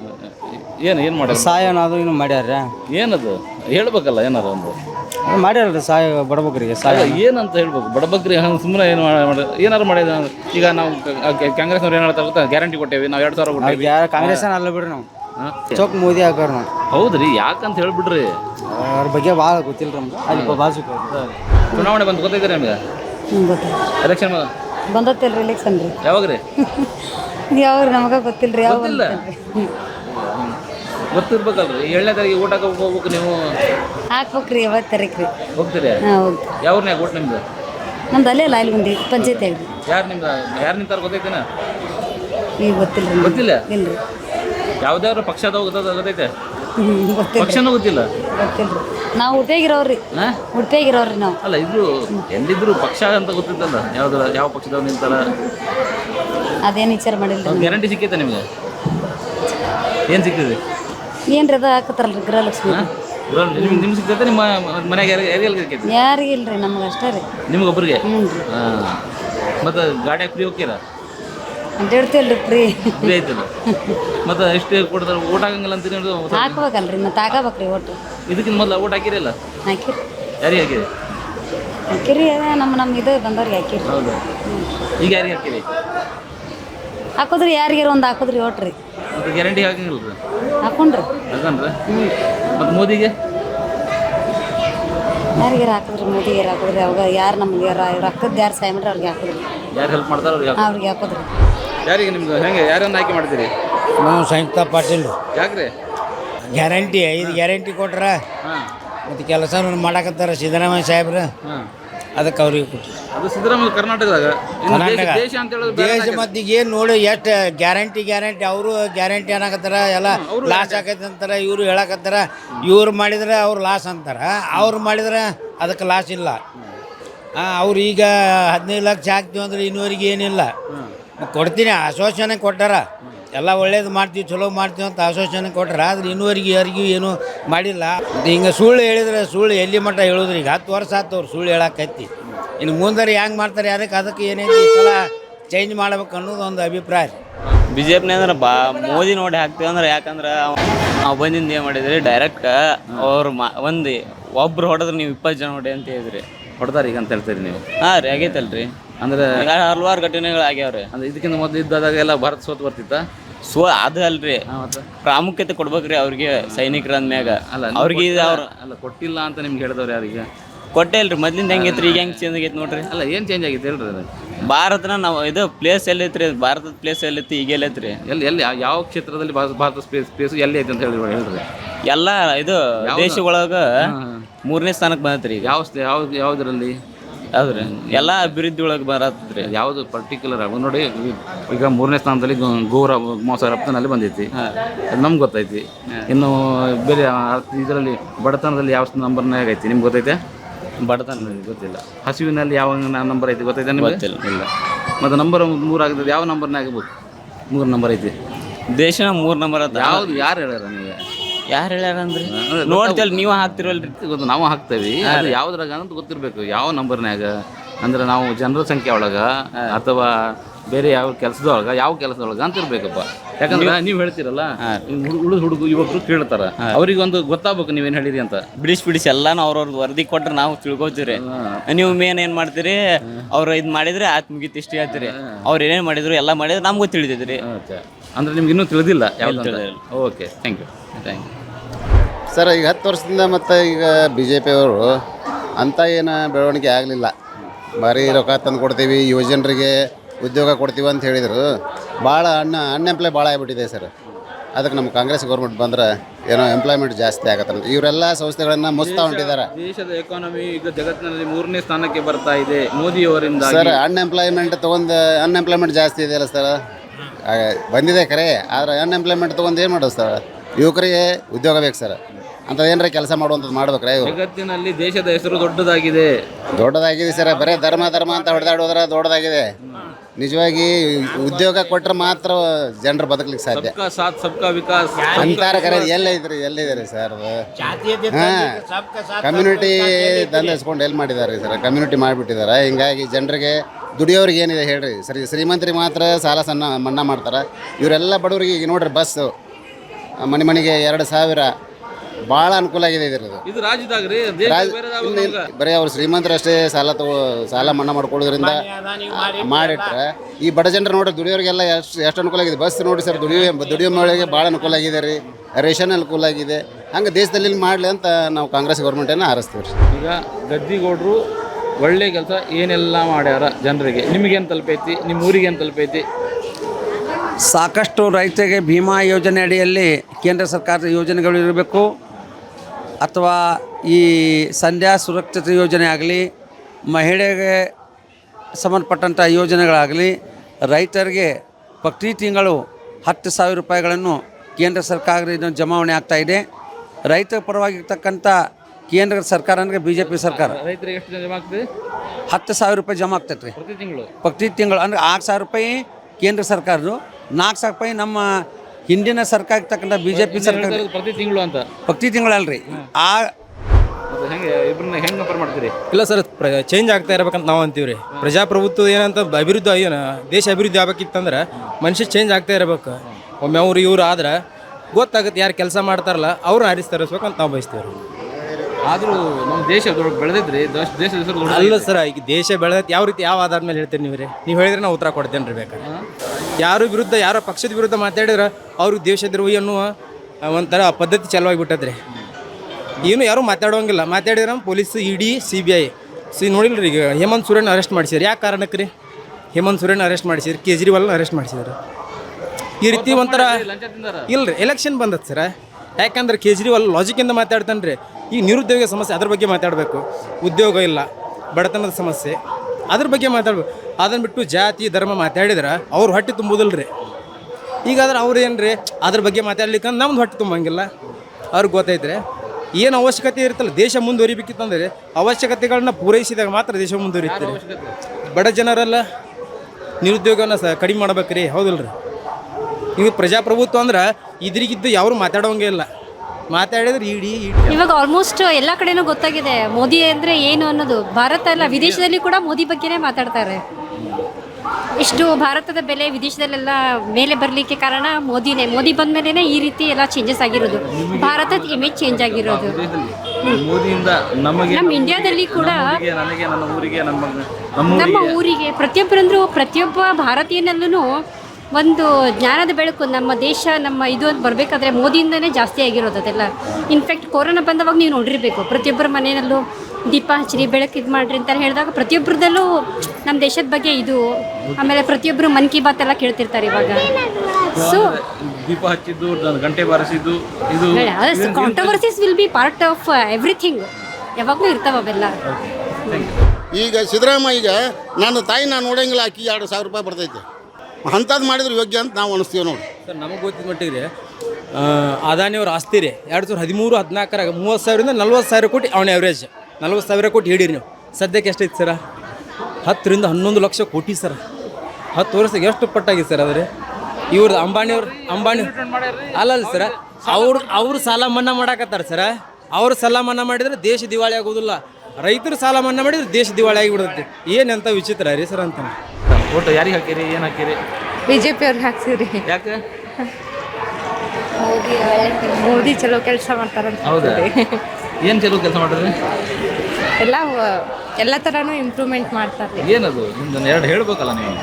[SPEAKER 1] ಏನು ಏನು ಮಾಡ್ಯಾರ?
[SPEAKER 9] ಸಹಾಯನ ಅದು ಇನ್ನು ಮಾಡ್ಯಾರ.
[SPEAKER 1] ಏನದು ಹೇಳ್ಬೇಕಲ್ಲ, ಏನಾರ ಒಂದು
[SPEAKER 9] ಮಾಡ್ಯಾರಲ್ರಿ ಸಹಾಯ ಬಡಬಗ್ರಿಗೆ ಸಹಾಯ.
[SPEAKER 1] ಏನಂತ ಹೇಳ್ಬೇಕು ಬಡಬಗ್ರಿ ಸುಮ್ಮನೆ ಏನು ಮಾಡಿ ಏನಾರು ಮಾಡಿದ. ಈಗ ನಾವು ಕಾಂಗ್ರೆಸ್ನವ್ರು ಏನು ಹೇಳ್ತಾರೆ ಗೊತ್ತಾ? ಗ್ಯಾರಂಟಿ ಕೊಟ್ಟೇವಿ ನಾವು ಎರಡು ಸಾವಿರ ಕೊಟ್ಟೇವಿ.
[SPEAKER 9] ಕಾಂಗ್ರೆಸ್ ಅಲ್ಲ ಬಿಡ್ರಿ, ನಾವು ಚೊಕ್ ಮೋದಿ ಹಾಕೋರು ನಾವು.
[SPEAKER 1] ಹೌದ್ರಿ, ಯಾಕಂತ ಹೇಳ್ಬಿಡ್ರಿ.
[SPEAKER 9] ಅವ್ರ ಬಗ್ಗೆ ಭಾಳ ಗೊತ್ತಿಲ್ಲ ನಮ್ಗೆ. ಅಲ್ಲಿ ಬಾಜು
[SPEAKER 1] ಚುನಾವಣೆ ಬಂದು ಗೊತ್ತೈತೆ ನಿಮ್ಗೆ? ಎಲೆಕ್ಷನ್
[SPEAKER 8] ಬಂದತ್ತಿಲ್ಲ ರೀ ಎಲೆಕ್ಷನ್ ರೀ.
[SPEAKER 1] ಯಾವಾಗ ರೀ?
[SPEAKER 8] ಯಾವಾಗ ನಮಗೆ ಗೊತ್ತಿಲ್ಲ ರೀ. ಯಾವ
[SPEAKER 1] ಗೊತ್ತಿರ್ಬೇಕಲ್ರಿ. ಏಳನೇ ತಾರೀಕಿಗೆ ಊಟ ಹೋಗ್ಬೇಕು ನೀವು.
[SPEAKER 8] ಹಾಕ್ಬೇಕ್ರಿ ಯಾವತ್ತು ತಾರೀಕು ರೀ.
[SPEAKER 1] ಹೋಗ್ತೀರಿ?
[SPEAKER 8] ಹಾಂ ಹೋಗಿ.
[SPEAKER 1] ಯಾವ್ರನ್ಯಾಗ ಊಟ ನಿಮ್ದು?
[SPEAKER 8] ನಮ್ದು ಅಲ್ಲೇ ಅಲ್ಲ ಇಲ್ಲಿ ಬಂದಿ ಪಂಚಾಯತ್ ಹೇಳಿ.
[SPEAKER 1] ಯಾರು ನಿಮ್ದು ಯಾರು ನಿಂತಾರ ಗೊತ್ತೈತೇನ?
[SPEAKER 8] ಈಗ ಗೊತ್ತಿಲ್ಲ ರೀ.
[SPEAKER 1] ಗೊತ್ತಿಲ್ಲ?
[SPEAKER 8] ಇಲ್ಲ ರೀ.
[SPEAKER 1] ಯಾವ್ದಾದ್ರು ಪಕ್ಷದ ಹೋಗೋದ ಗೊತ್ತೈತೆ?
[SPEAKER 8] ಗೊತ್ತಿಲ್ಲ.
[SPEAKER 1] ಪಕ್ಷನೂ ಗೊತ್ತಿಲ್ಲ?
[SPEAKER 8] ಗೊತ್ತಿಲ್ಲ ರೀ. ನಾವು ಉಡುಪಿಯಾಗಿರೋರಿ.
[SPEAKER 1] ಹಾಂ
[SPEAKER 8] ಉಡುಪಿಯಾಗಿರೋರಿ ನಾವು.
[SPEAKER 1] ಅಲ್ಲ ಇದು ಎಲ್ಲಿದ್ರು ಪಕ್ಷ ಅಂತ ಗೊತ್ತಿತ್ತಲ್ಲ, ಯಾವ್ದು ಯಾವ ಪಕ್ಷದವ್ರು ನಿಂತಾರ
[SPEAKER 8] ಅದೇನು ವಿಚಾರ ಮಾಡಿಲ್ಲ ರೀ.
[SPEAKER 1] ಗ್ಯಾರಂಟಿ ಸಿಕ್ಕೈತೆ ನಿಮ್ಗೆ? ಏನು ಸಿಗ್ತದೆ?
[SPEAKER 8] ಏನು ರೀ ಅದು ಹಾಕತ್ತಾರಲ್ಲ ರೀ ಗೃಹಲಕ್ಷ್ಮಿ.
[SPEAKER 1] ನಿಮ್ಗೆ ನಿಮ್ಗೆ ಸಿಗ್ತೈತೆ? ನಿಮ್ಮ ಮನ್ಯಾಗ ಯಾರು ಯಾರಿಗೆಲ್ಲ ಸಿಕ್ಕೈತೆ?
[SPEAKER 8] ಯಾರಿಗೆ ಇಲ್ಲ ರೀ, ನಮಗೆ ಅಷ್ಟೇ ರೀ.
[SPEAKER 1] ನಿಮ್ಗೊಬ್ಬರಿಗೆ?
[SPEAKER 8] ಹ್ಞೂ ರೀ.
[SPEAKER 1] ಹಾಂ. ಮತ್ತು ಗಾಡಿಯಾಗ ಫ್ರೀ ಹೋಗ್ತೀರಾ?
[SPEAKER 8] ಅಂತ ಹೇಳ್ತೀವಲ್ಲ ರೀ ಫ್ರೀ.
[SPEAKER 1] ಫ್ರೀ ಆಯ್ತಲ್ಲ. ಮತ್ತು ಎಷ್ಟು ಕೊಡ್ತಾರೆ? ಓಟ್ ಆಗಂಗಿಲ್ಲ ಅಂತೀರಿ?
[SPEAKER 8] ಹಾಕ್ಬೇಕಲ್ರಿ, ಮತ್ತೆ ಹಾಕಬೇಕ್ರಿ ಓಟು.
[SPEAKER 1] ಇದಕ್ಕಿಂತ ಮೊದಲು ಓಟ್ ಹಾಕಿರಿಲ್ಲ?
[SPEAKER 8] ಹಾಕಿರಿ.
[SPEAKER 1] ಯಾರಿಗೆ ಹಾಕಿರಿ?
[SPEAKER 8] ಹಾಕಿರಿ ನಮ್ಮ ನಮ್ಮ ಇದು ಬಂದವ್ರಿಗೆ ಹಾಕಿರಿ.
[SPEAKER 1] ಹೌದು. ಈಗ ಯಾರಿಗೆ ಹಾಕಿರಿ?
[SPEAKER 8] ಹಾಕೋದ್ರಿ ಯಾರಿಗಾರ ಒಂದು ಹಾಕೋದ್ರಿ ಓಟ್ರಿ.
[SPEAKER 1] ಮತ್ತು ಗ್ಯಾರಂಟಿ ಹಾಕಂಗಿಲ್ಲ ರೀ?
[SPEAKER 8] ಹಾಕೊಂಡ್ರಿ.
[SPEAKER 1] ಹಾಕಂಡ್ರೆ ಮತ್ತು ಮೋದಿಗೆ
[SPEAKER 8] ಯಾರಿಗಾರ ಹಾಕಿದ್ರಿ, ಮೋದಿಗಾರ ಹಾಕಿದ್ರಿ. ಅವಾಗ ಯಾರು ನಮ್ಗೆ ರೊಕ್ಕದ ಯಾರು ಸಹಾಯ ಮಾಡ್ರಿ ಅವ್ರಿಗೆ ಹಾಕಿದ್ರಿ.
[SPEAKER 1] ಯಾರು ಹೆಲ್ಪ್ ಮಾಡ್ತಾರೆ ಅವ್ರಿಗೆ ಹಾಕಿ.
[SPEAKER 8] ಅವ್ರಿಗೆ ಹಾಕೋದ್ರಿ.
[SPEAKER 1] ಯಾರಿಗೆ ನಿಮ್ದು ಹೆಂಗೆ ಯಾರನ್ನ ಆಯ್ಕೆ ಮಾಡ್ತೀರಿ?
[SPEAKER 10] ನಾವು ಸಂಯುಕ್ತ ಪಾಟೀಲ್.
[SPEAKER 1] ಯಾಕ್ರಿ?
[SPEAKER 10] ಗ್ಯಾರಂಟಿ ಐದು ಗ್ಯಾರಂಟಿ ಕೊಟ್ರ
[SPEAKER 1] ಹಾಂ
[SPEAKER 10] ಮತ್ತು ಕೆಲಸ ಮಾಡಕತ್ತಾರ ಸಿದ್ದರಾಮಯ್ಯ ಸಾಹೇಬ್ರು,
[SPEAKER 1] ಹಾಂ
[SPEAKER 10] ಅದಕ್ಕೆ ಅವ್ರಿಗೆ ಕೊಟ್ಟರು.
[SPEAKER 1] ಅದು ಸಿದ್ದರಾಮಯ್ಯ ಕರ್ನಾಟಕದಾಗ ಇನ್ನು ದೇಶ
[SPEAKER 10] ಕರ್ನಾಟಕ
[SPEAKER 1] ದೇಶ ಅಂತ ಹೇಳೋದು ಬೇರೆ
[SPEAKER 10] ದೇಶ ಮತ್ತು ಈಗ ಏನು ನೋಡಿ ಎಷ್ಟು ಗ್ಯಾರಂಟಿ ಗ್ಯಾರಂಟಿ ಅವರು ಗ್ಯಾರಂಟಿ ಅನ್ನಕತ್ತಾರ, ಎಲ್ಲ ಲಾಸ್ ಆಕೈತೆ ಅಂತಾರೆ. ಇವರು ಹೇಳಕತ್ತಾರ ಇವ್ರು ಮಾಡಿದ್ರೆ ಅವ್ರು ಲಾಸ್ ಅಂತಾರೆ, ಅವ್ರು ಮಾಡಿದ್ರೆ ಅದಕ್ಕೆ ಲಾಸ್ ಇಲ್ಲ. ಹಾಂ ಅವ್ರು ಈಗ ಹದಿನೈದು ಲಕ್ಷ ಹಾಕ್ತೀವಿ ಅಂದ್ರೆ ಇನ್ನೂರಿಗೆ ಏನಿಲ್ಲ ಕೊಡ್ತೀನಿ ಆಶ್ವಾಸನೆ ಕೊಟ್ಟಾರ, ಎಲ್ಲ ಒಳ್ಳೇದು ಮಾಡ್ತೀವಿ ಚಲೋ ಮಾಡ್ತೀವಿ ಅಂತ ಆಶ್ವಾಸನೆ ಕೊಟ್ರೆ ಆದ್ರೆ ಇನ್ನೂವರೆಗೆ ಯಾರಿಗೂ ಏನೂ ಮಾಡಿಲ್ಲ. ಹಿಂಗೆ ಸುಳ್ಳು ಹೇಳಿದ್ರೆ ಸುಳ್ಳು ಎಲ್ಲಿ ಮಟ್ಟ ಹೇಳೋದ್ರಿ ಈಗ ಹತ್ತು ವರ್ಷ ಆಯ್ತು ಅವ್ರು ಸುಳ್ಳು ಹೇಳಕ್ಕೈತಿ. ಇನ್ನು ಮುಂದೆ ಹೆಂಗೆ ಮಾಡ್ತಾರೆ ಅದಕ್ಕೆ ಅದಕ್ಕೆ ಏನೈತಿ ಈ ಸಲ ಚೇಂಜ್ ಮಾಡ್ಬೇಕು ಅನ್ನೋದು ಒಂದು ಅಭಿಪ್ರಾಯ.
[SPEAKER 2] ಬಿ ಜೆ ಪಿನ ಅಂದ್ರೆ ಬಾ ಮೋದಿ ನೋಡಿ ಹಾಕ್ತೀವಿ ಅಂದ್ರೆ ಯಾಕಂದ್ರೆ ನಾವು ಬಂದಿಂದ ಏನು ಮಾಡಿದ್ರಿ ಡೈರೆಕ್ಟ್ ಅವ್ರು ಮಾ ಒಂದು ಒಬ್ರು ಹೊಡೆದ್ರೆ ನೀವು ಇಪ್ಪತ್ತು ಜನ ಹೊಡೆ ಅಂತ ಹೇಳಿದ್ರಿ.
[SPEAKER 1] ಹೊಡೆದಾರ ಈಗ ಅಂತ ಹೇಳ್ತೀರಿ ನೀವು?
[SPEAKER 2] ಹಾಂ ರೀ ಆಗೈತಲ್ರಿ.
[SPEAKER 1] ಅಂದ್ರೆ
[SPEAKER 2] ಹಲವಾರು ಘಟನೆಗಳು ಆಗ್ಯಾವ್ರಿ.
[SPEAKER 1] ಅಂದ್ರೆ ಇದಕ್ಕಿಂತ ಮೊದಲು ಇದ್ದಾಗ ಎಲ್ಲ ಭಾರತ ಸೋತು ಬರ್ತಿತ್ತ.
[SPEAKER 2] ಸೊ ಅದು ಅಲ್ರಿ, ಪ್ರಾಮುಖ್ಯತೆ ಕೊಡ್ಬೇಕ್ರಿ ಅವ್ರಿಗೆ ಸೈನಿಕರ ಅಂದ್ಮ್ಯಾಗ.
[SPEAKER 1] ಅಲ್ಲ
[SPEAKER 2] ಅವ್ರಿಗೆ ಇದು ಅವ್ರು
[SPEAKER 1] ಅಲ್ಲ ಕೊಟ್ಟಿಲ್ಲ ಅಂತ ನಿಮ್ಗೆ ಹೇಳಿದವ್ರು ಯಾರಿಗೆ?
[SPEAKER 2] ಕೊಟ್ಟೆ ಇಲ್ರಿ. ಮೊದ್ಲಿಂದ ಹೆಂಗೈತ್ರಿ ಈಗ ಹೆಂಗೆ ಚೇಂಜ್ ಆಗೈತೆ ನೋಡ್ರಿ.
[SPEAKER 1] ಅಲ್ಲ ಏನು ಚೇಂಜ್ ಆಗೈತೆ ಹೇಳ್ರಿ ಅದು.
[SPEAKER 2] ಭಾರತನ ನಾವು ಇದು ಪ್ಲೇಸ್ ಎಲ್ಲೈತ್ರಿ, ಭಾರತದ ಪ್ಲೇಸ್ ಎಲ್ಲೈತಿ ಈಗ ಎಲ್ಲೈತ್ರಿ?
[SPEAKER 1] ಎಲ್ಲಿ ಎಲ್ಲಿ ಯಾವ ಕ್ಷೇತ್ರದಲ್ಲಿ ಭಾರತ ಭಾರತ ಸ್ಪೇಸ್ ಸ್ಪೇಸು ಎಲ್ಲಿ ಐತೆ ಅಂತ ಹೇಳಿ ಹೇಳ್ರಿ.
[SPEAKER 2] ಎಲ್ಲ ಇದು ದೇಶಗಳೊಳಗೆ ಮೂರನೇ ಸ್ಥಾನಕ್ಕೆ ಬಂದತ್ರಿ ಈಗ.
[SPEAKER 1] ಯಾವ ಯಾವ ಯಾವುದರಲ್ಲಿ
[SPEAKER 2] ಹೌದ್ರಿ, ಎಲ್ಲ ಅಭಿವೃದ್ಧಿ ಒಳಗೆ ಬರತ್ರಿ.
[SPEAKER 1] ಯಾವುದು ಪರ್ಟಿಕ್ಯುಲರ್ ಆಗಿ ನೋಡಿ, ಈಗ ಮೂರನೇ ಸ್ಥಾನದಲ್ಲಿ ಗೋರ ಮೋಸ ರಫ್ತಿನಲ್ಲಿ ಬಂದೈತಿ, ಅದು ನಮ್ಗೆ ಗೊತ್ತೈತಿ. ಇನ್ನು ಬೇರೆ ಇದರಲ್ಲಿ ಬಡತನದಲ್ಲಿ ಯಾವ ನಂಬರ್ನಾಗ ಐತಿ ನಿಮ್ಗೆ ಗೊತ್ತೈತೆ?
[SPEAKER 2] ಬಡತನ
[SPEAKER 1] ಗೊತ್ತಿಲ್ಲ. ಹಸಿವಿನಲ್ಲಿ ಯಾವ ನಂಬರ್ ಐತಿ ಗೊತ್ತೈತೆ ನಿಮ್ಗೆ?
[SPEAKER 2] ಗೊತ್ತಿಲ್ಲ.
[SPEAKER 1] ಇಲ್ಲ. ಮತ್ತು ನಂಬರ್ ಮೂರು ಆಗಿದ್ದು ಯಾವ ನಂಬರ್ನಾಗ ಆಗ್ಬೋದು? ಮೂರು ನಂಬರ್ ಐತಿ.
[SPEAKER 2] ದೇಶನ ಮೂರು ನಂಬರ್ ಅದ.
[SPEAKER 1] ಯಾವ್ದು ಯಾರು ಹೇಳ್ಯಾರ ನೀವು?
[SPEAKER 2] ಯಾರು ಹೇಳ್ಯಾರ ಅಂದ್ರೆ ನೋಡ್ತೇವೆ, ನೀವು ಹಾಕ್ತಿರಲ್ರಿ.
[SPEAKER 1] ಗೊತ್ತು, ನಾವು ಹಾಕ್ತೇವೆ. ಅದು ಯಾವ್ದ್ರಾಗ ಅಂತ ಗೊತ್ತಿರಬೇಕು, ಯಾವ ನಂಬರ್ನಾಗ ಅಂದ್ರೆ ನಾವು ಜನರ ಸಂಖ್ಯೆ ಒಳಗೆ ಅಥವಾ ಬೇರೆ ಯಾವ ಕೆಲಸದೊಳಗ ಯಾವ ಕೆಲಸದೊಳಗೆ ಅಂತ ಇರ್ಬೇಕಪ್ಪ. ಯಾಕಂದ್ರೆ ನೀವು ಹೇಳ್ತೀರಲ್ಲ, ಉಳಿದ ಹುಡುಗ ಯುವಕರು ಕೇಳ್ತಾರ, ಅವ್ರಿಗೆ ಒಂದು ಗೊತ್ತಾಗ್ಬೇಕು ನೀವೇನು ಹೇಳಿರಿ ಅಂತ.
[SPEAKER 2] ಬಿಡಿಸಿ ಬಿಡಿಸಿ ಎಲ್ಲಾನು ಅವ್ರವ್ರದ್ದು ವರದಿ ಕೊಟ್ರೆ ನಾವು ತಿಳ್ಕೊತೀರಿ. ನೀವು ಮೇನ್ ಏನು ಮಾಡ್ತೀರಿ, ಅವ್ರು ಇದು ಮಾಡಿದ್ರೆ ಆತ್ ಮುಗಿತು ಇಷ್ಟು ಹೇಳ್ತೀರಿ. ಅವ್ರು ಏನೇನು ಮಾಡಿದ್ರು ಎಲ್ಲ ಮಾಡಿದ್ರೆ ನಮ್ಗೂ ತಿಳಿದಿದ್ರಿ.
[SPEAKER 1] ಅಂದ್ರೆ ನಿಮ್ಗೆ ಇನ್ನೂ ತಿಳಿದಿಲ್ಲ ಯಾವ್ದು? Okay, thank you thank you
[SPEAKER 11] sir. ಈಗ ಹತ್ತು ವರ್ಷದಿಂದ ಮತ್ತು ಈಗ ಬಿ ಜೆ ಪಿಯವರು ಅಂಥ ಏನು ಬೆಳವಣಿಗೆ ಆಗಲಿಲ್ಲ. ಭಾರಿ ರೊಕ್ಕ ತಂದು ಕೊಡ್ತೀವಿ, ಯುವಜನರಿಗೆ ಉದ್ಯೋಗ ಕೊಡ್ತೀವಿ ಅಂತ ಹೇಳಿದರು. ಭಾಳ ಅನ್ನ ಅನ್ಎಂಪ್ಲಾಯ್ ಭಾಳ ಆಗಿಬಿಟ್ಟಿದೆ ಸರ್. ಅದಕ್ಕೆ ನಮ್ಮ ಕಾಂಗ್ರೆಸ್ ಗೌರ್ಮೆಂಟ್ ಬಂದ್ರೆ ಏನೋ ಎಂಪ್ಲಾಯ್ಮೆಂಟ್ ಜಾಸ್ತಿ ಆಗತ್ತೆ. ಇವರೆಲ್ಲ ಸಂಸ್ಥೆಗಳನ್ನು ಮುಚ್ತಾ ಹೊಂಟಿದ್ದಾರೆ.
[SPEAKER 1] ದೇಶದ ಎಕಾನಮಿ ಈಗ ಜಗತ್ತಿನಲ್ಲಿ ಮೂರನೇ ಸ್ಥಾನಕ್ಕೆ ಬರ್ತಾ ಇದೆ ಮೋದಿಯವರಿಂದ.
[SPEAKER 11] ಸರ್ ಅನ್ಎಂಪ್ಲಾಯ್ಮೆಂಟ್ ತೊಗೊಂಡು ಅನ್ಎಂಪ್ಲಾಯ್ಮೆಂಟ್ ಜಾಸ್ತಿ ಇದೆಯಲ್ಲ ಸರ್, ಬಂದಿದೆ ಖರೆ. ಆದರೆ ಅನ್ಎಂಪ್ಲಾಯ್ಮೆಂಟ್ ತೊಗೊಂಡು ಏನು ಮಾಡೋದು ಸರ್? ಯುವಕರಿಗೆ ಉದ್ಯೋಗ ಬೇಕು ಸರ್. ಅಂಥದ್ದು ಏನಾರ ಕೆಲಸ ಮಾಡುವಂಥದ್ದು ಮಾಡ್ಬೇಕ್ರೆ ಇವರು.
[SPEAKER 1] ಜಗತ್ತಿನಲ್ಲಿ ದೇಶದ ಹೆಸರು ದೊಡ್ಡದಾಗಿದೆ
[SPEAKER 11] ದೊಡ್ಡದಾಗಿದೆ ಸರ್. ಬರೀ ಧರ್ಮ ಧರ್ಮ ಅಂತ ಹೊಡೆದಾಡೋದ್ರೆ ದೊಡ್ಡದಾಗಿದೆ. ನಿಜವಾಗಿ ಉದ್ಯೋಗ ಕೊಟ್ಟರೆ ಮಾತ್ರ ಜನರು ಬದುಕಲಿಕ್ಕೆ ಸಾಧ್ಯ.
[SPEAKER 1] ಸಬ್ಕಾ ಸಾಥ್ ಸಬ್ಕಾ ವಿಕಾಸ್
[SPEAKER 11] ಅಂತಾರ ಕರೆ ಎಲ್ಲಿದ್ರಿ ಎಲ್ಲಿದ್ದಾರೆ ಸರ್? ಹಾಂ, ಕಮ್ಯುನಿಟಿ ದಂಧೆಸ್ಕೊಂಡು ಎಲ್ಲಿ ಮಾಡಿದ್ದಾರೆ ಸರ್? ಕಮ್ಯುನಿಟಿ ಮಾಡಿಬಿಟ್ಟಿದ್ದಾರೆ. ಹಿಂಗಾಗಿ ಜನರಿಗೆ ದುಡಿಯೋರಿಗೆ ಏನಿದೆ ಹೇಳ್ರಿ ಸರಿ. ಶ್ರೀಮಂತರಿಗೆ ಮಾತ್ರ ಸಾಲ ಸಣ್ಣ ಮನ್ನಾ ಮಾಡ್ತಾರೆ. ಇವರೆಲ್ಲ ಬಡವರಿಗೆ ಈಗ ನೋಡ್ರಿ, ಬಸ್ಸು ಮನೆ ಮನೆಗೆ ಎರಡು ಸಾವಿರ ಭಾಳ ಅನುಕೂಲ ಆಗಿದೆ ಇದ್ರದ್ದು.
[SPEAKER 1] ಇದು ರಾಜ್ಯದಾಗ್ರಿ
[SPEAKER 11] ಬರೀ ಅವ್ರು ಶ್ರೀಮಂತರು ಅಷ್ಟೇ ಸಾಲ ತಗೋ ಸಾಲ ಮನ್ನಾ ಮಾಡ್ಕೊಳ್ಳೋದ್ರಿಂದ ಮಾಡಿಟ್ರೆ ಈ ಬಡ ಜನರು ನೋಡ್ರಿ ದುಡಿಯೋರಿಗೆಲ್ಲ ಎಷ್ಟು ಎಷ್ಟು ಅನುಕೂಲ ಆಗಿದೆ. ಬಸ್ ನೋಡಿ ಸರ್, ದುಡಿಯೋ ದುಡಿಯೋ ಮಳೆಗೆ ಭಾಳ ಅನುಕೂಲ ಆಗಿದೆ ರೀ. ರೇಷನ್ ಅನುಕೂಲ ಆಗಿದೆ. ಹಂಗೆ ದೇಶದಲ್ಲಿ ಮಾಡಲಿ ಅಂತ ನಾವು ಕಾಂಗ್ರೆಸ್ ಗೌರ್ಮೆಂಟನ್ನು ಹಾರಿಸ್ತೀವಿ ರೀ.
[SPEAKER 1] ಈಗ ಗದ್ದಿಗೌಡರು ಒಳ್ಳೆ ಕೆಲಸ ಏನೆಲ್ಲ ಮಾಡ್ಯಾರ ಜನರಿಗೆ, ನಿಮಗೇನು ತಲುಪೈತಿ, ನಿಮ್ಮ ಊರಿಗೆ ಏನು ತಲುಪೈತಿ?
[SPEAKER 9] ಸಾಕಷ್ಟು ರೈತರಿಗೆ ಭೀಮಾ ಯೋಜನೆ ಅಡಿಯಲ್ಲಿ ಕೇಂದ್ರ ಸರ್ಕಾರದ ಯೋಜನೆಗಳು ಇರಬೇಕು, ಅಥವಾ ಈ ಸಂಧ್ಯಾ ಸುರಕ್ಷತೆ ಯೋಜನೆ ಆಗಲಿ, ಮಹಿಳೆಗೆ ಸಂಬಂಧಪಟ್ಟಂಥ ಯೋಜನೆಗಳಾಗಲಿ, ರೈತರಿಗೆ ಪ್ರತಿ ತಿಂಗಳು ಹತ್ತು ಸಾವಿರ ರೂಪಾಯಿಗಳನ್ನು ಕೇಂದ್ರ ಸರ್ಕಾರದಿಂದ ಜಮಾವಣೆ ಆಗ್ತಾಯಿದೆ. ರೈತರ ಪರವಾಗಿರ್ತಕ್ಕಂಥ ಕೇಂದ್ರ ಸರ್ಕಾರ ಅಂದರೆ ಬಿ ಜೆ ಪಿ ಸರ್ಕಾರ
[SPEAKER 1] ರೈತರಿಗೆ ಎಷ್ಟು ಜಮಾ ಆಗ್ತದೆ?
[SPEAKER 9] ಹತ್ತು ಸಾವಿರ ರೂಪಾಯಿ ಜಮಾ ಆಗ್ತೈತೆ ರೀ
[SPEAKER 1] ಪ್ರತಿ ತಿಂಗಳು.
[SPEAKER 9] ಪ್ರತಿ ತಿಂಗಳು ಅಂದರೆ ಆರು ಸಾವಿರ ರೂಪಾಯಿ ಕೇಂದ್ರ ಸರ್ಕಾರದ್ದು, ನಾಲ್ಕು ಸಾವಿರ ರೂಪಾಯಿ ನಮ್ಮ ಹಿಂದಿನ ಸರ್ಕಾರ ಇರ್ತಕ್ಕಂಥ ಬಿ ಜೆ ಪಿ ಸರ್ಕಾರ
[SPEAKER 1] ಪ್ರತಿ ತಿಂಗಳು ಅಂತ.
[SPEAKER 9] ಪ್ರತಿ ತಿಂಗಳಲ್ರಿ. ಆ
[SPEAKER 1] ಹೆಂಗೆ ಇಬ್ಬರನ್ನ ಹೆಂಗೆ ಕಂಪೇರ್ ಮಾಡ್ತೀರಿ?
[SPEAKER 12] ಇಲ್ಲ ಸರ್, ಚೇಂಜ್ ಆಗ್ತಾ ಇರ್ಬೇಕಂತ ನಾವು ಅಂತೀವಿ ರೀ. ಪ್ರಜಾಪ್ರಭುತ್ವ ಏನಂತ ಅಭಿವೃದ್ಧಿ ಏನು ದೇಶ ಅಭಿವೃದ್ಧಿ ಆಗ್ಬೇಕಿತ್ತಂದ್ರೆ ಮನುಷ್ಯ ಚೇಂಜ್ ಆಗ್ತಾ ಇರ್ಬೇಕು. ಒಮ್ಮೆ ಅವ್ರು ಇವ್ರು ಆದ್ರೆ ಗೊತ್ತಾಗುತ್ತೆ ಯಾರು ಕೆಲಸ ಮಾಡ್ತಾರಲ್ಲ ಅವ್ರು ಆರಿಸ್ತಾರಿಸ್ಬೇಕಂತ ನಾವು ಬಯಸ್ತೀವಿ ರೀ.
[SPEAKER 1] ಆದರೂ ನಮ್ಮ ದೇಶ ದೊಡ್ಡ ಬೆಳೆದೈತ್ರಿ, ದೇಶದ ಹೆಸರು
[SPEAKER 12] ಅಲ್ಲ ಸರ್. ಈಗ ದೇಶ ಬೆಳೆದೈತೆ ಯಾವ ರೀತಿ ಯಾವ ಆಧಾರದ ಮೇಲೆ ಹೇಳ್ತೀರಿ ನೀವು ರೀ? ನೀವು ಹೇಳಿದ್ರೆ ನಾವು ಉತ್ತರ ಕೊಡ್ತೇನೆ ರೀ. ಬೇಕಾದ್ರೆ ಯಾರು ವಿರುದ್ಧ ಯಾರೋ ಪಕ್ಷದ ವಿರುದ್ಧ ಮಾತಾಡಿದ್ರೆ ಅವ್ರಿಗೆ ದೇಶದ್ರೋಹಿ ಅನ್ನುವ ಒಂಥರ ಪದ್ಧತಿ ಚಾಲುವಾಗಿಬಿಟ್ಟದ್ರಿ. ಏನು ಯಾರು ಮಾತಾಡೋಂಗಿಲ್ಲ. ಮಾತಾಡಿದ್ರೆ police, E D, C B I C ನೋಡಿಲ್ರಿ. ಈಗ ಹೇಮಂತ್ ಸೊರೇನ್ ಅರೆಸ್ಟ್ ಮಾಡಿಸಿದ್ರು. ಯಾಕೆ ಕಾರಣಕ್ಕೆ ರೀ? ಹೇಮಂತ್ ಸೊರೇನ್ ಅರೆಸ್ಟ್ ಮಾಡಿಸಿದ್ರು, ಕೇಜ್ರಿವಾಲ್ನ ಅರೆಸ್ಟ್ ಮಾಡಿಸಿದ್ರು. ಈ ರೀತಿ ಒಂಥರ ಇಲ್ರಿ. ಎಲೆಕ್ಷನ್ ಬಂದದ್ದು ಸರ. ಯಾಕಂದ್ರೆ ಕೇಜ್ರಿವಾಲ್ ಲಾಜಿಕಿಂದ ಮಾತಾಡ್ತಾನೆ ರೀ. ಈ ನಿರುದ್ಯೋಗ ಸಮಸ್ಯೆ ಅದ್ರ ಬಗ್ಗೆ ಮಾತಾಡಬೇಕು. ಉದ್ಯೋಗ ಇಲ್ಲ, ಬಡತನದ ಸಮಸ್ಯೆ ಅದ್ರ ಬಗ್ಗೆ ಮಾತಾಡ್ಬೇಕು. ಅದನ್ನು ಬಿಟ್ಟು ಜಾತಿ ಧರ್ಮ ಮಾತಾಡಿದ್ರೆ ಅವ್ರು ಹೊಟ್ಟೆ ತುಂಬುದಿಲ್ಲ ರೀ. ಈಗಾದ್ರೆ ಅವ್ರು ಏನು ರೀ ಅದ್ರ ಬಗ್ಗೆ ಮಾತಾಡ್ಲಿಕ್ಕೆ ನಮ್ದು ಹೊಟ್ಟೆ ತುಂಬಂಗಿಲ್ಲ. ಅವ್ರಿಗೆ ಗೊತ್ತೈತ್ರಿ ಏನು ಅವಶ್ಯಕತೆ ಇರುತ್ತಲ್ಲ. ದೇಶ ಮುಂದುವರಿಬೇಕಿತ್ತಂದರೆ ಅವಶ್ಯಕತೆಗಳನ್ನ ಪೂರೈಸಿದಾಗ ಮಾತ್ರ ದೇಶ ಮುಂದುವರಿತಾರೆ. ಬಡ ಜನರೆಲ್ಲ ನಿರುದ್ಯೋಗನ ಸಹ ಕಡಿಮೆ ಮಾಡ್ಬೇಕು ರೀ. ಹೌದಿಲ್ಲ ರೀ? ಇದು ಪ್ರಜಾಪ್ರಭುತ್ವ ಅಂದ್ರೆ ಇದ್ರಿಗಿದ್ದು ಯಾರು ಮಾತಾಡೋಂಗೆ ಇಲ್ಲ, ಮಾತಾಡಿದ್ರೆ ಇಡೀ
[SPEAKER 13] ಇವಾಗ ಆಲ್ಮೋಸ್ಟ್ ಎಲ್ಲ ಕಡೆನೂ ಗೊತ್ತಾಗಿದೆ ಮೋದಿ ಅಂದರೆ ಏನು ಅನ್ನೋದು. ಭಾರತ ಅಲ್ಲ, ವಿದೇಶದಲ್ಲಿ ಕೂಡ ಮೋದಿ ಬಗ್ಗೆನೇ ಮಾತಾಡ್ತಾರೆ. ಇಷ್ಟು ಭಾರತದ ಬೆಲೆ ವಿದೇಶದಲ್ಲೆಲ್ಲ ಮೇಲೆ ಬರಲಿಕ್ಕೆ ಕಾರಣ ಮೋದಿನೇ. ಮೋದಿ ಬಂದ ಮೇಲೇ ಈ ರೀತಿ ಎಲ್ಲ ಚೇಂಜಸ್ ಆಗಿರೋದು, ಭಾರತದ ಇಮೇಜ್ ಚೇಂಜ್ ಆಗಿರೋದು.
[SPEAKER 1] ಮೋದಿಯಿಂದ ನಮಗೆ
[SPEAKER 13] ನಮ್ಮ ಇಂಡಿಯಾದಲ್ಲಿ ಕೂಡ
[SPEAKER 1] ನನಗೆ ನನಗೆ ನನ್ನ ಊರಿಗೆ ನಮ್ಮ ನಮ್ಮ
[SPEAKER 13] ನಮ್ಮ ಊರಿಗೆ ಪ್ರತಿಯೊಬ್ಬರಂದ್ರೂ ಪ್ರತಿಯೊಬ್ಬ ಭಾರತೀಯನಲ್ಲೂ ಒಂದು ಜ್ಞಾನದ ಬೆಳಕು ನಮ್ಮ ದೇಶ ನಮ್ಮ ಇದು ಅಂತ ಬರಬೇಕಾದ್ರೆ ಮೋದಿಯಿಂದನೇ ಜಾಸ್ತಿ ಆಗಿರೋದು ಅದೆಲ್ಲ. ಇನ್ಫ್ಯಾಕ್ಟ್ ಕೊರೋನಾ ಬಂದವಾಗ ನೀವು ನೋಡಿರಬೇಕು, ಪ್ರತಿಯೊಬ್ಬರ ಮನೆಯಲ್ಲೂ ದೀಪ ಹಚ್ಚಿರಿ, ಬೆಳಕು ಇದು ಮಾಡಿರಿ ಅಂತ ಹೇಳಿದಾಗ ಪ್ರತಿಯೊಬ್ಬರದಲ್ಲೂ ನಮ್ಮ ದೇಶದ ಬಗ್ಗೆ ಇದು. ಆಮೇಲೆ ಪ್ರತಿಯೊಬ್ಬರು ಮನ್ ಕಿ ಬಾತ್ ಎಲ್ಲ ಕೇಳ್ತಿರ್ತಾರೆ ಇವಾಗ. ಸೊ
[SPEAKER 1] ದೀಪ ಹಚ್ಚಿದ್ದು, ಗಂಟೆ ಬಾರಿಸಿದ್ದು, ಇದು
[SPEAKER 13] controversies will be part of everything, ಯಾವಾಗಲೂ ಇರ್ತಾವೆ ಅವೆಲ್ಲ.
[SPEAKER 14] ಈಗ ಸಿದ್ದರಾಮಯ್ಯ ಈಗ ನನ್ನ ತಾಯಿ ನಾನು ನೋಡೋಂಗಿಲ್ಲ, ಆಕಿ ಎರಡು ಸಾವಿರ ರೂಪಾಯಿ ಬರ್ತೈತೆ, ಅಂಥದ್ದು ಮಾಡಿದ್ರೆ ಯೋಗ್ಯ ಅಂತ ನಾವು ಅನಿಸ್ತೀವಿ ನೋಡಿ.
[SPEAKER 12] ಸರ್ ನಮಗೆ ಗೊತ್ತಿದ್ದ ಮಟ್ಟಿಗೆ ಅದಾನಿಯವ್ರ ಆಸ್ತಿ ರೀ ಎರಡು ಸಾವಿರದ ಹದಿಮೂರು ಹದಿನಾಲ್ಕರಾಗ ಮೂವತ್ತು ಸಾವಿರದಿಂದ ನಲ್ವತ್ತು ಸಾವಿರ ಕೋಟಿ ಅವನ ಎವ್ರೇಜ್ ನಲ್ವತ್ತು ಸಾವಿರ ಕೋಟಿ ಹಿಡೀರಿ ನೀವು. ಸದ್ಯಕ್ಕೆ ಎಷ್ಟೈತೆ ಸರ? ಹತ್ತರಿಂದ ಹನ್ನೊಂದು ಲಕ್ಷ ಕೋಟಿ ಸರ್. ಹತ್ತು ವರ್ಷಕ್ಕೆ ಎಷ್ಟು ಪಟ್ಟಾಗಿದೆ ಸರ್ ಅದ್ರಿ? ಇವ್ರದ್ದು ಅಂಬಾನಿಯವ್ರು ಅಂಬಾನಿ ಅಲ್ಲಲ್ಲ ಸರ, ಅವ್ರು ಅವ್ರು ಸಾಲ ಮನ್ನಾ ಮಾಡಾಕತ್ತಾರೆ ಸರ. ಅವ್ರು ಸಾಲ ಮನ್ನಾ ಮಾಡಿದ್ರೆ ದೇಶ ದಿವಾಳಿ ಆಗೋದಿಲ್ಲ, ರೈತರು ಸಾಲ ಮನ್ನಾ ಮಾಡಿದ್ರೆ ದೇಶ ದಿವಾಳಿ ಆಗಿಬಿಡುತ್ತೆ. ಏನಂತ ವಿಚಿತ್ರ ರೀ ಸರ್ ಅಂತ.
[SPEAKER 1] ಓಟು ಯಾರಿಗೆ ಹಾಕಿರಿ, ಏನು ಹಾಕಿರಿ?
[SPEAKER 15] ಬಿ ಜೆ ಪಿ ಅವ್ರಿಗೆ ಹಾಕ್ಸಿವ್ರಿ.
[SPEAKER 1] ಯಾಕೆ?
[SPEAKER 15] ಮೋದಿ ಮೋದಿ ಚಲೋ ಕೆಲಸ ಮಾಡ್ತಾರಂತ.
[SPEAKER 1] ಹೌದಾ? ಏನು ಚಲೋ ಕೆಲಸ ಮಾಡಿದ್ರಿ?
[SPEAKER 15] ಎಲ್ಲ ಎಲ್ಲ ಥರನೂ ಇಂಪ್ರೂವ್ಮೆಂಟ್ ಮಾಡ್ತಾರೆ.
[SPEAKER 1] ಏನದು ನಿಮ್ದು ಎರಡು ಹೇಳ್ಬೇಕಲ್ಲ ನೀವು.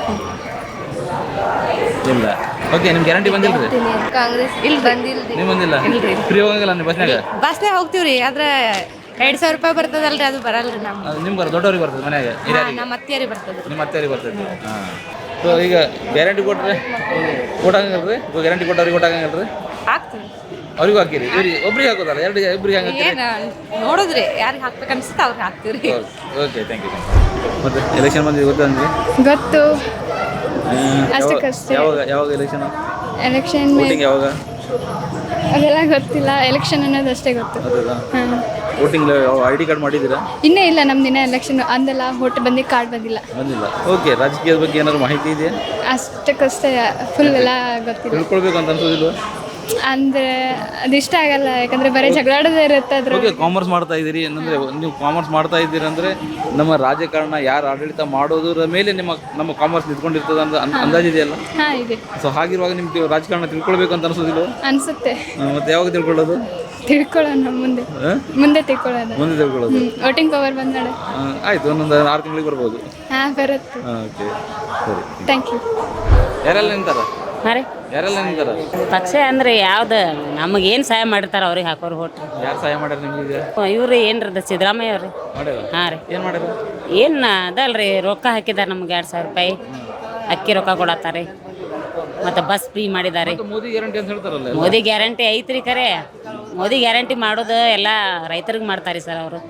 [SPEAKER 1] ಇಲ್ಲ ಓಕೆ, ನಿಮ್ಮ ಗ್ಯಾರಂಟಿ ಬಂದಿಲ್ಲ ರೀ?
[SPEAKER 15] ಕಾಂಗ್ರೆಸ್ ಇಲ್ಲಿ ಬಂದಿಲ್ಲ.
[SPEAKER 1] ನೀವು ಬಂದಿಲ್ಲ? ಫ್ರೀ ಹೋಗಂಗಿಲ್ಲ ನೀವು ಬಸ್ನಾಗ?
[SPEAKER 15] ಬಸ್ನಾಗ ಹೋಗ್ತೀವ್ರಿ, ಆದ್ರೆ ಎರಡು ಸಾವಿರ ರೂಪಾಯಿ ಬರ್ತದಲ್ರಿ, ಅದು ಬರಲ್ರಿ ನಮ್ಗೆ.
[SPEAKER 1] ಅದು ನಿಮ್ಗೆ ಬರ ದೊಡ್ಡವ್ರಿಗೆ ಬರ್ತದೆ ಮನ್ಯಾಗ?
[SPEAKER 15] ನಮ್ಮ ಅತ್ತಿಯರಿಗೆ ಬರ್ತದೆ.
[SPEAKER 1] ನಿಮ್ಮ ಅತ್ತೆಯವ್ರಿಗೆ ಬರ್ತದೆ. ಹಾಂ. ಸೊ ಈಗ ಗ್ಯಾರಂಟಿ ಕೊಟ್ಟರೆ ಓಟ್ ಹಾಕಂಗಿಲ್ಲ ರೀ? ಗ್ಯಾರಂಟಿ ಕೊಟ್ಟವ್ರಿಗೆ ಓಟ್ ಹಾಕಂಗಿಲ್ಲ ರೀ?
[SPEAKER 15] ಹಾಕ್ತೀವಿ.
[SPEAKER 1] ಅವ್ರಿಗೂ ಹಾಕಿರಿ? ಇವ್ರಿಗೆ ಒಬ್ರಿಗೆ ಹಾಕೋದಲ್ಲ, ಎರಡು ಇಬ್ಬರಿಗೆ ಹಾಕಿ
[SPEAKER 15] ಏನು ನೋಡಿದ್ರಿ ಯಾರಿಗೆ ಹಾಕ್ಬೇಕು ಅನ್ಸುತ್ತೆ ಅವ್ರಿಗೆ ಹಾಕ್ತೀವ್ರಿ.
[SPEAKER 1] Okay, thank you. ಮತ್ತೆ ಎಲೆಕ್ಷನ್ ಬಂದಿದೆ ಗೊತ್ತಾ ನಿಮಗೆ?
[SPEAKER 15] ಗೊತ್ತು.
[SPEAKER 1] ಅಷ್ಟಕ್ಕಷ್ಟೇ. ಯಾವಾಗ ಯಾವಾಗ ಎಲೆಕ್ಷನ್?
[SPEAKER 15] ಎಲೆಕ್ಷನ್
[SPEAKER 1] ವೋಟಿಂಗ್ ಯಾವಾಗ?
[SPEAKER 15] ಅದೆಲ್ಲ ಗೊತ್ತಿಲ್ಲ, ಎಲೆಕ್ಷನ್ ಅನ್ನೋದು ಅಷ್ಟೇ ಗೊತ್ತು. ಹಾಂ.
[SPEAKER 1] ವೋಟಿಂಗ್ ಐ ಡಿ ಕಾರ್ಡ್ ಮಾಡಿದ್ದೀರಾ?
[SPEAKER 15] ಇನ್ನೇ ಇಲ್ಲ, ನಮ್ದು ದಿನ ಎಲೆಕ್ಷನ್ ಅಂದೆಲ್ಲ ವೋಟ್ ಬಂದು ಕಾರ್ಡ್ ಬಂದಿಲ್ಲ.
[SPEAKER 1] ಬಂದಿಲ್ಲ. ಓಕೆ, ರಾಜಕೀಯದ ಬಗ್ಗೆ ಏನಾದ್ರು ಮಾಹಿತಿ ಇದೆಯಾ?
[SPEAKER 15] ಅಷ್ಟಕ್ಕಷ್ಟೇ, ಫುಲ್ ಎಲ್ಲ ಗೊತ್ತಿಲ್ಲ.
[SPEAKER 1] ತಿಳ್ಕೊಳ್ಬೇಕು ಅಂತ ಅನ್ಸೋದಿಲ್ವ?
[SPEAKER 15] ಅಂದರೆ ಅದು ಇಷ್ಟ ಆಗಲ್ಲ, ಯಾಕಂದರೆ ಬರೀ ಜಗಳಾಡೋದೇ ಇರುತ್ತೆ ಅದ್ರ.
[SPEAKER 1] ಓಕೆ, ಕಾಮರ್ಸ್ ಮಾಡ್ತಾ ಇದ್ದೀರಿ ಅಂದರೆ ನೀವು ಕಾಮರ್ಸ್ ಮಾಡ್ತಾ ಇದ್ದೀರಿ ಅಂದರೆ ನಮ್ಮ ರಾಜಕಾರಣ ಯಾರು ಆಡಳಿತ ಮಾಡೋದ್ರ ಮೇಲೆ ನಿಮ್ಮ ನಮ್ಮ ಕಾಮರ್ಸ್ ನಿಂತ್ಕೊಂಡಿರ್ತದೆ ಅಂತ ಅಂದಾಜಿದೆಯಲ್ಲ?
[SPEAKER 15] ಹಾಂ ಇದೆ.
[SPEAKER 1] ಸೊ ಹಾಗಿರುವಾಗ ನಿಮ್ಗೆ ರಾಜಕಾರಣ ತಿಳ್ಕೊಳ್ಬೇಕು ಅಂತ ಅನ್ಸೋದಿಲ್ವ?
[SPEAKER 15] ಅನಿಸುತ್ತೆ.
[SPEAKER 1] ಮತ್ತೆ ಯಾವಾಗ ತಿಳ್ಕೊಳ್ಳೋದು?
[SPEAKER 15] ತಿಳ್ಕೊಳ್ಳೋಣ ಮುಂದೆ ಮುಂದೆ ತಿಳ್ಕೊಳ್ಳೋದು
[SPEAKER 1] ಮುಂದೆ ತಿಳ್ಕೊಳ್ಳೋದು
[SPEAKER 15] ವೋಟಿಂಗ್ ಪವರ್ ಬಂದಾಳೆ.
[SPEAKER 1] ಆಯ್ತು, ಒಂದೊಂದು ಆರು ತಿಂಗಳಿಗೆ ಬರ್ಬೋದು.
[SPEAKER 15] ಹಾಂ ಬರುತ್ತೆ.
[SPEAKER 1] ಓಕೆ, ಸರಿ,
[SPEAKER 15] ಥ್ಯಾಂಕ್ ಯು.
[SPEAKER 1] ಯಾರೆಲ್ಲ ನಿಂತಾರ?
[SPEAKER 8] ಹಾಂ ರೀ,
[SPEAKER 1] ಯಾರೆಲ್ಲ ನಿಂತಾರ?
[SPEAKER 8] ಪಕ್ಷ ಅಂದರೆ ಯಾವ್ದು ನಮಗೇನು ಸಹಾಯ ಮಾಡಿರ್ತಾರೆ ಅವ್ರಿಗೆ ಹಾಕೋರು ಹೋಟ್.
[SPEAKER 1] ಯಾರು ಸಹಾಯ ಮಾಡ್ಯಾರ ನಿಮ್ಗೆ?
[SPEAKER 8] ಇವ್ರು ಏನ್ರದ ಸಿದ್ದರಾಮಯ್ಯ ಅವ್ರಿ. ಹಾಂ ರೀ.
[SPEAKER 1] ಏನು ಮಾಡ್ಯಾರ?
[SPEAKER 8] ಏನು ಅದಲ್ರಿ, ರೊಕ್ಕ ಹಾಕಿದ್ದಾರೆ ನಮ್ಗೆ ಎರಡು ಸಾವಿರ ರೂಪಾಯಿ ಅಕ್ಕಿ ರೊಕ್ಕ ಕೊಡತ್ತಾರೆ, ಮತ್ತು ಬಸ್ ಫ್ರೀ ಮಾಡಿದ್ದಾರೆ.
[SPEAKER 1] ಮೋದಿ ಗ್ಯಾರಂಟಿ ಅಂತ ಹೇಳ್ತಾರಲ್ಲ?
[SPEAKER 8] ಮೋದಿ ಗ್ಯಾರಂಟಿ ಐತ್ರಿ, ಖರೆ ಮೋದಿ ಗ್ಯಾರಂಟಿ ಮಾಡೋದು ಎಲ್ಲ ರೈತರಿಗೆ ಮಾಡ್ತಾರೆ ಸರ್ ಅವರು.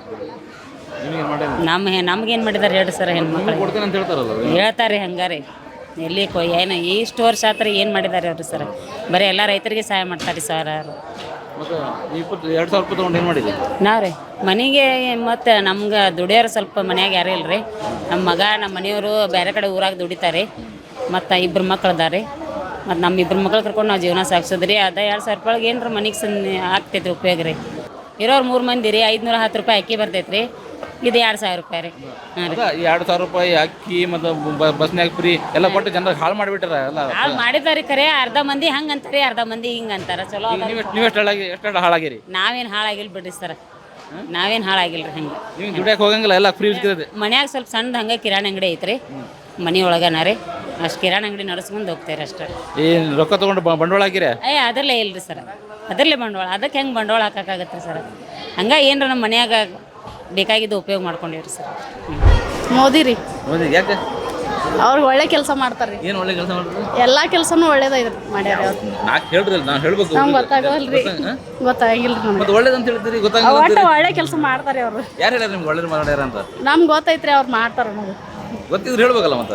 [SPEAKER 8] ನಮ್ಮ ನಮ್ಗೇನು ಮಾಡಿದ್ದಾರೆ ಹೇಳಿ ಸರ್, ಹೆಣ್ಮಕ್ಳು
[SPEAKER 1] ಕೊಡ್ತೇನೆ ಅಂತ ಹೇಳ್ತಾರಲ್ಲ?
[SPEAKER 8] ಹೇಳ್ತಾರೆ ಹಂಗಾರೆ. ಎಲ್ಲಿ ಕೊ ಏನು ಇಷ್ಟು ವರ್ಷ ಆತರ ಏನು ಮಾಡಿದ್ದಾರೆ ಅವರು ಸರ್? ಬರೀ ಎಲ್ಲ ರೈತರಿಗೆ ಸಹಾಯ ಮಾಡ್ತಾರೆ ಸರ್ ಅವರು.
[SPEAKER 1] ಮತ್ತು ಇಪ್ಪತ್ತು ಎರಡು ಸಾವಿರ ರೂಪಾಯಿ ತೊಗೊಂಡು ಏನು ಮಾಡಿದ್ವಿ
[SPEAKER 8] ನಾವು ರೀ? ಮನೆಗೆ ಮತ್ತು ನಮ್ಗೆ ದುಡಿಯೋರು ಸ್ವಲ್ಪ ಮನ್ಯಾಗ ಯಾರೂ ಇಲ್ಲ ರೀ. ನಮ್ಮ ಮಗ ನಮ್ಮ ಮನೆಯವರು ಬೇರೆ ಕಡೆ ಊರಾಗ ದುಡಿತಾರೆ, ಮತ್ತು ಇಬ್ಬರು ಮಕ್ಳು ಅದಾರೆ. ಮತ್ತು ನಮ್ಮ ಇಬ್ಬರು ಮಕ್ಳು ಕರ್ಕೊಂಡು ನಾವು ಜೀವನ ಸಾಗಿಸೋದ್ರಿ. ಅದ ಎರಡು ಸಾವಿರ ರೂಪಾಯಿಗೆ ಏನರ ಮನೆಗೆ ಸನ್ ಆಗ್ತೈತೆ ಉಪಯೋಗ ರೀ. ಇರೋರು ಮೂರು ಮಂದಿ ರೀ, ಐದುನೂರ ಹತ್ತು ರೂಪಾಯಿ ಅಕ್ಕಿ ಬರ್ತೈತೆ ರೀ. ಇದು ಎರಡು ಸಾವಿರ ರೂಪಾಯಿ ರೀ. ಹಾಂ ರೀ.
[SPEAKER 1] ಎರಡು ಸಾವಿರ ರೂಪಾಯಿ ಅಕ್ಕಿ ಮತ್ತು ಬಸ್ನ್ಯಾಗ ಫ್ರೀ ಎಲ್ಲ ಕೊಟ್ಟು ಜನರಿಗೆ ಹಾಳು ಮಾಡಿಬಿಟ್ಟಾರ ಎಲ್ಲ.
[SPEAKER 8] ಹಾಳು ಮಾಡಿದ್ದಾರೆ ಖರೆ, ಅರ್ಧ ಮಂದಿ ಹಂಗೆ ಅಂತಾರೆ, ಅರ್ಧ ಮಂದಿ ಹಿಂಗೆ ಅಂತಾರೆ. ಚಲೋ
[SPEAKER 1] ನೀವು ನೀವು ಎಷ್ಟು ಹಾಳಾಗಿ ಎಷ್ಟು ಹಾಳಾಗಿರಿ?
[SPEAKER 8] ನಾವೇನು ಹಾಳಾಗಿಲ್ಲ ಬಿಡ್ರಿ ಸರ್, ನಾವೇನು ಹಾಳಾಗಿಲ್ಲ ರೀ. ಹಂಗೆ
[SPEAKER 1] ನೀವು ದುಡಿಯಕ್ಕೆ ಹೋಗಂಗಿಲ್ಲ, ಎಲ್ಲ ಫ್ರೀ ಇರ್ತದೆ.
[SPEAKER 8] ಮನ್ಯಾಗ ಸ್ವಲ್ಪ ಸಣ್ಣದು ಹಂಗೆ ಕಿರಾಣಿ ಅಂಗಡಿ ಐತ್ರಿ ಮನೆ ಒಳಗನ ರೀ. ಅಷ್ಟು ಕಿರಾಣಿ ಅಂಗಡಿ ನಡೆಸ್ಕೊಂಡು ಹೋಗ್ತಾರೆ ಅಷ್ಟೇ.
[SPEAKER 1] ಏನು ರೊಕ್ಕ ತೊಗೊಂಡು ಬಂಡವಾಳ ಹಾಕಿರ?
[SPEAKER 8] ಏ ಅದರಲ್ಲೇ ಇಲ್ರಿ ಸರ್, ಅದರಲ್ಲೇ ಬಂಡವಾಳ. ಅದಕ್ಕೆ ಹೆಂಗೆ ಬಂಡವಾಳ ಹಾಕೋಕ್ಕಾಗತ್ತೆ ಸರ್? ಹಂಗೆ ಏನರ ನಮ್ಮ ಮನ್ಯಾಗ ಬೇಕಾಗಿದ್ದು ಉಪಯೋಗ ಮಾಡ್ಕೊಂಡಿವ್ರಿ ಸರ್.
[SPEAKER 15] ಮೋದಿ ರೀ.
[SPEAKER 1] ಮೋದಿ ಯಾಕೆ?
[SPEAKER 15] ಅವ್ರು ಒಳ್ಳೆ ಕೆಲಸ ಮಾಡ್ತಾರೆ.
[SPEAKER 1] ಏನು ಒಳ್ಳೆ ಕೆಲಸ ಮಾಡಿದ್ರು?
[SPEAKER 15] ಎಲ್ಲ ಕೆಲಸನೂ ಒಳ್ಳೇದೈತೆ ಮಾಡ್ಯಾರ ಅವ್ರು.
[SPEAKER 1] ನಾಲ್ಕು ಹೇಳ್ರಿ, ನಾನು ಹೇಳ್ಬೇಕು.
[SPEAKER 15] ನಮ್ಗೆ ಗೊತ್ತಾಗಲ್ರಿ, ಗೊತ್ತಾಗಿಲ್ಲ ನಮ್ಗೆ.
[SPEAKER 1] ಮತ್ತೆ ಒಳ್ಳೇದಂತ ಹೇಳ್ತೀರಿ,
[SPEAKER 15] ಒಟ್ಟು
[SPEAKER 1] ಗೊತ್ತಾಗ
[SPEAKER 15] ಒಳ್ಳೆ ಕೆಲಸ ಮಾಡ್ತಾರೆ ಅವರು.
[SPEAKER 1] ಯಾರು ಹೇಳ್ಯಾರ ನಿಮ್ಗೆ ಒಳ್ಳೇದು ಮಾಡ್ಯಾರ ಅಂತ?
[SPEAKER 15] ನಮ್ಗೆ ಗೊತ್ತೈತ್ರಿ, ಅವ್ರು ಮಾಡ್ತಾರೆ ನಮಗೆ.
[SPEAKER 1] ಗೊತ್ತಿದ್ರೆ ಹೇಳ್ಬೇಕಲ್ಲ ಮತ್ತೆ.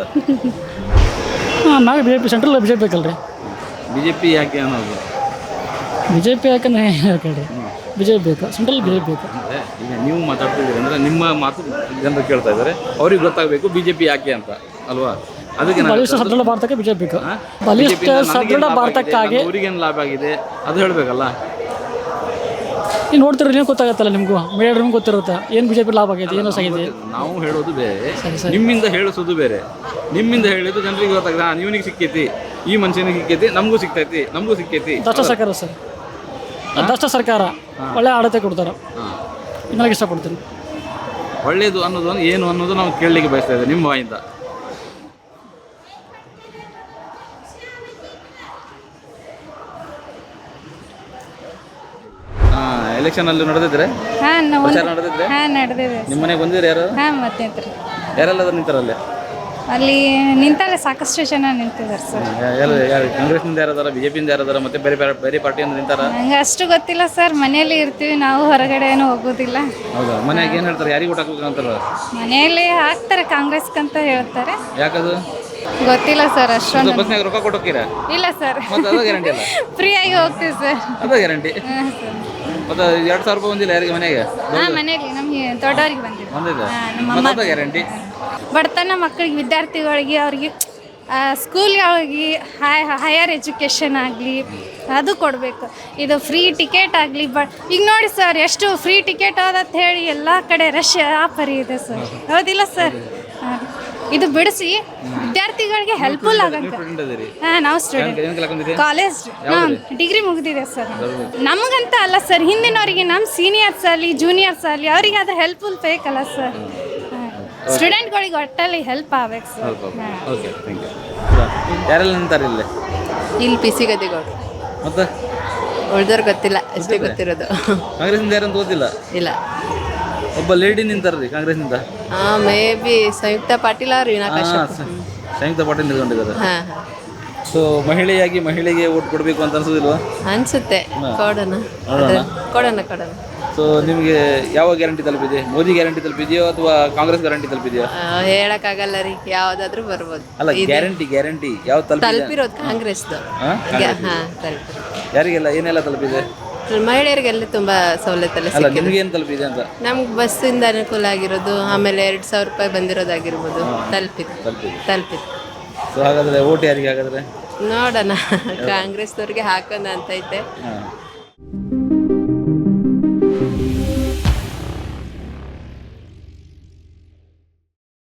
[SPEAKER 4] ಹಾಂ, ನಾವು B J P central B J P ಬೇಕಲ್ರಿ?
[SPEAKER 1] ಬಿ ಜೆ ಪಿ ಯಾಕೆ ಅನ್ನೋದು?
[SPEAKER 4] ಬಿ ಜೆ ಪಿ ಯಾಕಂದ್ರೆ ಹೇಳ್ರಿ, ಬಿ ಜೆ ಪಿ ಬೇಕು, ಸೆಂಟ್ರಲ್ ಬಿ ಜೆ ಪಿ ಬೇಕು.
[SPEAKER 1] ಈಗ ನೀವು ಮಾತಾಡ್ತಿದ್ದೀರಿ ಅಂದರೆ ನಿಮ್ಮ ಮಾತು ಜನರು ಕೇಳ್ತಾ ಇದ್ದಾರೆ, ಅವ್ರಿಗೆ ಗೊತ್ತಾಗಬೇಕು ಬಿ ಜೆ ಪಿ ಯಾಕೆ ಅಂತ ಅಲ್ವಾ? ಅದಕ್ಕೆ ನಾನು
[SPEAKER 16] ಬಲಿಷ್ಠ ಸದೃಢ ಭಾರತಕ್ಕೆ ಬಿಜೆಪಿ ಬೇಕು ಬಲಿಷ್ಠ ಸದೃಢ ಭಾರತಕ್ಕಾಗಿ
[SPEAKER 1] ಊರಿಗೇನು ಲಾಭ ಆಗಿದೆ ಅದು ಹೇಳಬೇಕಲ್ಲ.
[SPEAKER 16] ನೀವು ನೋಡ್ತಿರೋ ನೀವು ಗೊತ್ತಾಗತ್ತಲ್ಲ ನಿಮಗೂ ಮೀಡಿಯಾ ನಿಮ್ಗೆ ಗೊತ್ತಿರುತ್ತೆ ಏನು ಬಿಜೆಪಿ ಲಾಭ ಆಗೈತೆ ಏನು ಆಗಿದೆ.
[SPEAKER 1] ನಾವು ಹೇಳೋದು ಬೇರೆ, ನಿಮ್ಮಿಂದ ಹೇಳಿಸೋದು ಬೇರೆ. ನಿಮ್ಮಿಂದ ಹೇಳಿದ್ದು ಜನರಿಗೆ ಗೊತ್ತಾಗಿದೆ, ಹಾಂ ಇವನಿಗೆ ಸಿಕ್ಕೈತಿ, ಈ ಮನುಷ್ಯನಿಗೆ ಸಿಕ್ಕೈತಿ, ನಮಗೂ ಸಿಗ್ತೈತಿ, ನಮಗೂ ಸಿಕ್ಕೈತಿ.
[SPEAKER 16] ದಷ್ಟ ಸರ್ಕಾರ ಸರ್, ದಷ್ಟ ಸರ್ಕಾರ ಒಳ್ಳೆ ಆಡಳಿತ ಕೊಡ್ತಾರೆ, ನನಗೆ ಇಷ್ಟಪಡ್ತೀನಿ.
[SPEAKER 1] ಒಳ್ಳೇದು ಅನ್ನೋದು ಏನು ಅನ್ನೋದು ನಾವು ಕೇಳಲಿಕ್ಕೆ ಬಯಸ್ತಾ ಇದ್ದೇವೆ ನಿಮ್ಮ ಬಾಯಿಂದ. ಹಾಂ, ಎಲೆಕ್ಷನ್ ಅಲ್ಲಿ ನಡೆದಿದ್ರೆ
[SPEAKER 7] ಹಾಂ ನಾವು
[SPEAKER 1] ಪ್ರಚಾರ ನಡೆದಿದ್ರೆ
[SPEAKER 7] ಹಾಂ ನಡೆದಿದೆ
[SPEAKER 1] ನಿಮ್ಮ ಮನೆಗೆ ಬಂದಿದ್ರೆ ಯಾರು
[SPEAKER 7] ಹಾಂ ಮತ್ತೆ ನಿಂತ್ರಿ
[SPEAKER 1] ಯಾರೆಲ್ಲ ನಿಂತಾರಲ್ಲೇ?
[SPEAKER 7] ಅಲ್ಲಿ ನಿಂತಲ್ಲೇ ಸಾಕಷ್ಟು ಜನ ನಿಂತಿದ್ದಾರೆ ಸರ್.
[SPEAKER 1] ಯಾರು ಯಾರು ಕಾಂಗ್ರೆಸ್ನಿಂದ ಯಾರದಾರ, ಬಿಜೆಪಿಯಿಂದ ಯಾರದಾರ, ಮತ್ತೆ ಬೇರೆ ಬೇರೆ ಬೇರೆ ಪಾರ್ಟಿಯಿಂದ ನಿಂತಾರ?
[SPEAKER 7] ನಂಗೆ ಅಷ್ಟು ಗೊತ್ತಿಲ್ಲ ಸರ್, ಮನೆಯಲ್ಲಿ ಇರ್ತೀವಿ ನಾವು, ಹೊರಗಡೆ ಏನೂ ಹೋಗೋದಿಲ್ಲ.
[SPEAKER 1] ಹೌದಾ? ಮನ್ಯಾಗ ಏನು ಹೇಳ್ತಾರೆ, ಯಾರಿಗೆ ಊಟ ಹಾಕ್ಬೇಕು ಅಂತಾರ?
[SPEAKER 7] ಮನೆಯಲ್ಲಿ ಹಾಕ್ತಾರೆ ಕಾಂಗ್ರೆಸ್ಗಂತ ಹೇಳ್ತಾರೆ.
[SPEAKER 1] ಯಾಕದು
[SPEAKER 7] ಗೊತ್ತಿಲ್ಲ ಸರ್ ಅಷ್ಟೊಂದು.
[SPEAKER 1] ಬಸ್ನಾಗ ರೊಕ್ಕ ಕೊಟ್ಟೋಕ್ಕಿರ?
[SPEAKER 7] ಇಲ್ಲ ಸರ್,
[SPEAKER 1] ಮತ್ತೆ ಅದು ಗ್ಯಾರಂಟಿ ಅಲ್ಲ,
[SPEAKER 7] ಫ್ರೀ ಆಗಿ ಹೋಗ್ತೀವಿ ಸರ್.
[SPEAKER 1] ಅದು ಗ್ಯಾರಂಟಿ. ಮತ್ತೆ ಎರಡು ಸಾವಿರ ರೂಪಾಯಿ ಬಂದಿಲ್ಲ ಯಾರಿಗೆ ಮನೆಗೆ?
[SPEAKER 7] ಹಾಂ ಮನೆಯಲ್ಲಿ ನಮಗೆ ದೊಡ್ಡವ್ರಿಗೆ ಬಂದಿದೆ.
[SPEAKER 1] ಬಂದಿದೆ,
[SPEAKER 7] ನಮ್ಮ
[SPEAKER 1] ಮತ್ತೆ
[SPEAKER 7] ಅಮ್ಮ
[SPEAKER 1] ಅದು ಗ್ಯಾರಂಟಿ.
[SPEAKER 7] ಬಡತನ ಮಕ್ಕಳಿಗೆ, ವಿದ್ಯಾರ್ಥಿಗಳಿಗೆ, ಅವ್ರಿಗೆ ಸ್ಕೂಲ್ಗಳಿಗೆ ಹೈ ಹೈಯರ್ ಎಜುಕೇಷನ್ ಆಗಲಿ ಅದು ಕೊಡಬೇಕು. ಇದು ಫ್ರೀ ಟಿಕೆಟ್ ಆಗಲಿ. ಬ ಈಗ ನೋಡಿ ಸರ್, ಎಷ್ಟು ಫ್ರೀ ಟಿಕೆಟ್ ಅದಂತ ಹೇಳಿ ಎಲ್ಲ ಕಡೆ ರಶ್ ಆಫರ್ ಇದೆ ಸರ್, ಹೌದಿಲ್ಲ ಸರ್? ಇದು ಬಿಡಿಸಿ ವಿದ್ಯಾರ್ಥಿಗಳಿಗೆ ಹೆಲ್ಪ್ಫುಲ್ ಆಗಂತ. ಹಾಂ, ನಾವು ಸ್ಟೂಡೆಂಟ್, ಕಾಲೇಜ್, ಹಾಂ ಡಿಗ್ರಿ ಮುಗಿದಿದೆ ಸರ್. ನಮಗಂತ ಅಲ್ಲ ಸರ್, ಹಿಂದಿನವರಿಗೆ, ನಮ್ಮ ಸೀನಿಯರ್ಸ್ ಆಗಲಿ ಜೂನಿಯರ್ಸ್ ಆಗಲಿ ಅವರಿಗೆ ಅದು ಹೆಲ್ಪ್ಫುಲ್ ಬೇಕಲ್ಲ ಸರ್. ಸ್ಟೂಡೆಂಟ್ಗಳಿಗೆ ಒಟ್ಟಲ್ಲಿ ಹೆಲ್ಪ್ ಆಗ್ಬೇಕು ಸರ್.
[SPEAKER 1] Okay, thank you. ಯಾರೆಲ್ಲ ನಿಂತಾರೆ ಇಲ್ಲಿ?
[SPEAKER 17] ಇಲ್ಲಿ ಪಿ ಸಿ ಗದ್ದಿಗೌಡ್ರು.
[SPEAKER 1] ಮತ್ತೆ
[SPEAKER 17] ಉಳ್ದವ್ರು ಗೊತ್ತಿಲ್ಲ, ಅಷ್ಟೇ ಗೊತ್ತಿರೋದು.
[SPEAKER 1] ಕಾಂಗ್ರೆಸ್ನಿಂದ ಯಾರಂತ ಗೊತ್ತಿಲ್ಲ?
[SPEAKER 17] ಇಲ್ಲ,
[SPEAKER 1] ಒಬ್ಬ ಲೇಡಿ ನಿಂತಾರ್ರಿ ಕಾಂಗ್ರೆಸ್ನಿಂದ.
[SPEAKER 17] ಹಾಂ, ಮೇ ಬಿ ಸಂಯುಕ್ತ ಪಾಟೀಲ್ ಅವ್ರು ವೀಣಾ ಕಾಶ್ಯಪ್.
[SPEAKER 1] ಸಂಯುಕ್ತ ಪಾಟೀಲ್ ನಿಲ್ಕೊಂಡಿದ್ದಾರೆ.
[SPEAKER 17] ಹಾಂ ಹಾಂ.
[SPEAKER 1] ಸೊ ಮಹಿಳೆಯಾಗಿ ಮಹಿಳೆಗೆ ಓಟ್ ಕೊಡಬೇಕು ಅಂತ ಅನ್ಸೋದಿಲ್ವಾ?
[SPEAKER 17] ಅನ್ಸುತ್ತೆ, ಕೊಡೋಣ
[SPEAKER 1] ನೋಡೋಣ.
[SPEAKER 17] ಕೊಡೋಣ ಕೊಡೋಣ.
[SPEAKER 1] ಸೊ ನಿಮಗೆ ಯಾವ ಗ್ಯಾರಂಟಿ ತಲುಪಿದೆ? ಮೋದಿ ಗ್ಯಾರಂಟಿ ತಲುಪಿದೆಯೋ ಅಥವಾ ಕಾಂಗ್ರೆಸ್ ಗ್ಯಾರಂಟಿ ತಲುಪಿದೆಯೋ?
[SPEAKER 17] ಹೇಳಕ್ಕಾಗಲ್ಲ ರೀ, ಯಾವ್ದಾದ್ರು ಬರ್ಬೋದು.
[SPEAKER 1] ಅಲ್ಲ, ಗ್ಯಾರಂಟಿ ಗ್ಯಾರಂಟಿ ಯಾವ ತಲುಪಿದೆ?
[SPEAKER 17] ತಲುಪಿರೋದು ಕಾಂಗ್ರೆಸ್ದು.
[SPEAKER 1] ಹಾಂ,
[SPEAKER 17] ಹಾಂ ತಲುಪಿರೋದು.
[SPEAKER 1] ಯಾರಿಗೆಲ್ಲ ಏನೆಲ್ಲ ತಲುಪಿದೆ?
[SPEAKER 17] ಮಹಿಳೆಯರಿಗೆಲ್ಲ ತುಂಬ ಸವಲತ್ತೆಲ್ಲ
[SPEAKER 1] ಅಲ್ಲ,
[SPEAKER 17] ಸಿಕ್ಕಿದೆ.
[SPEAKER 1] ನಿಮ್ಗೆ ಏನು ತಲುಪಿದೆ ಅಂತ?
[SPEAKER 17] ನಮ್ಗೆ ಬಸ್ಸಿಂದ ಅನುಕೂಲ ಆಗಿರೋದು, ಆಮೇಲೆ ಎರಡು ಸಾವಿರ ರೂಪಾಯಿ ಬಂದಿರೋದಾಗಿರ್ಬೋದು, ತಲುಪಿದೆ
[SPEAKER 1] ತಲುಪಿದೆ
[SPEAKER 17] ತಲುಪಿದೆ.
[SPEAKER 1] ಸೊ ಹಾಗಾದ್ರೆ ಓಟ್ ಯಾರಿಗೆ ಹಾಗಾದ್ರೆ?
[SPEAKER 17] ನೋಡೋಣ, ಕಾಂಗ್ರೆಸ್ನವ್ರಿಗೆ ಹಾಕೋಣ ಅಂತೈತೆ.
[SPEAKER 1] ಹಾಂ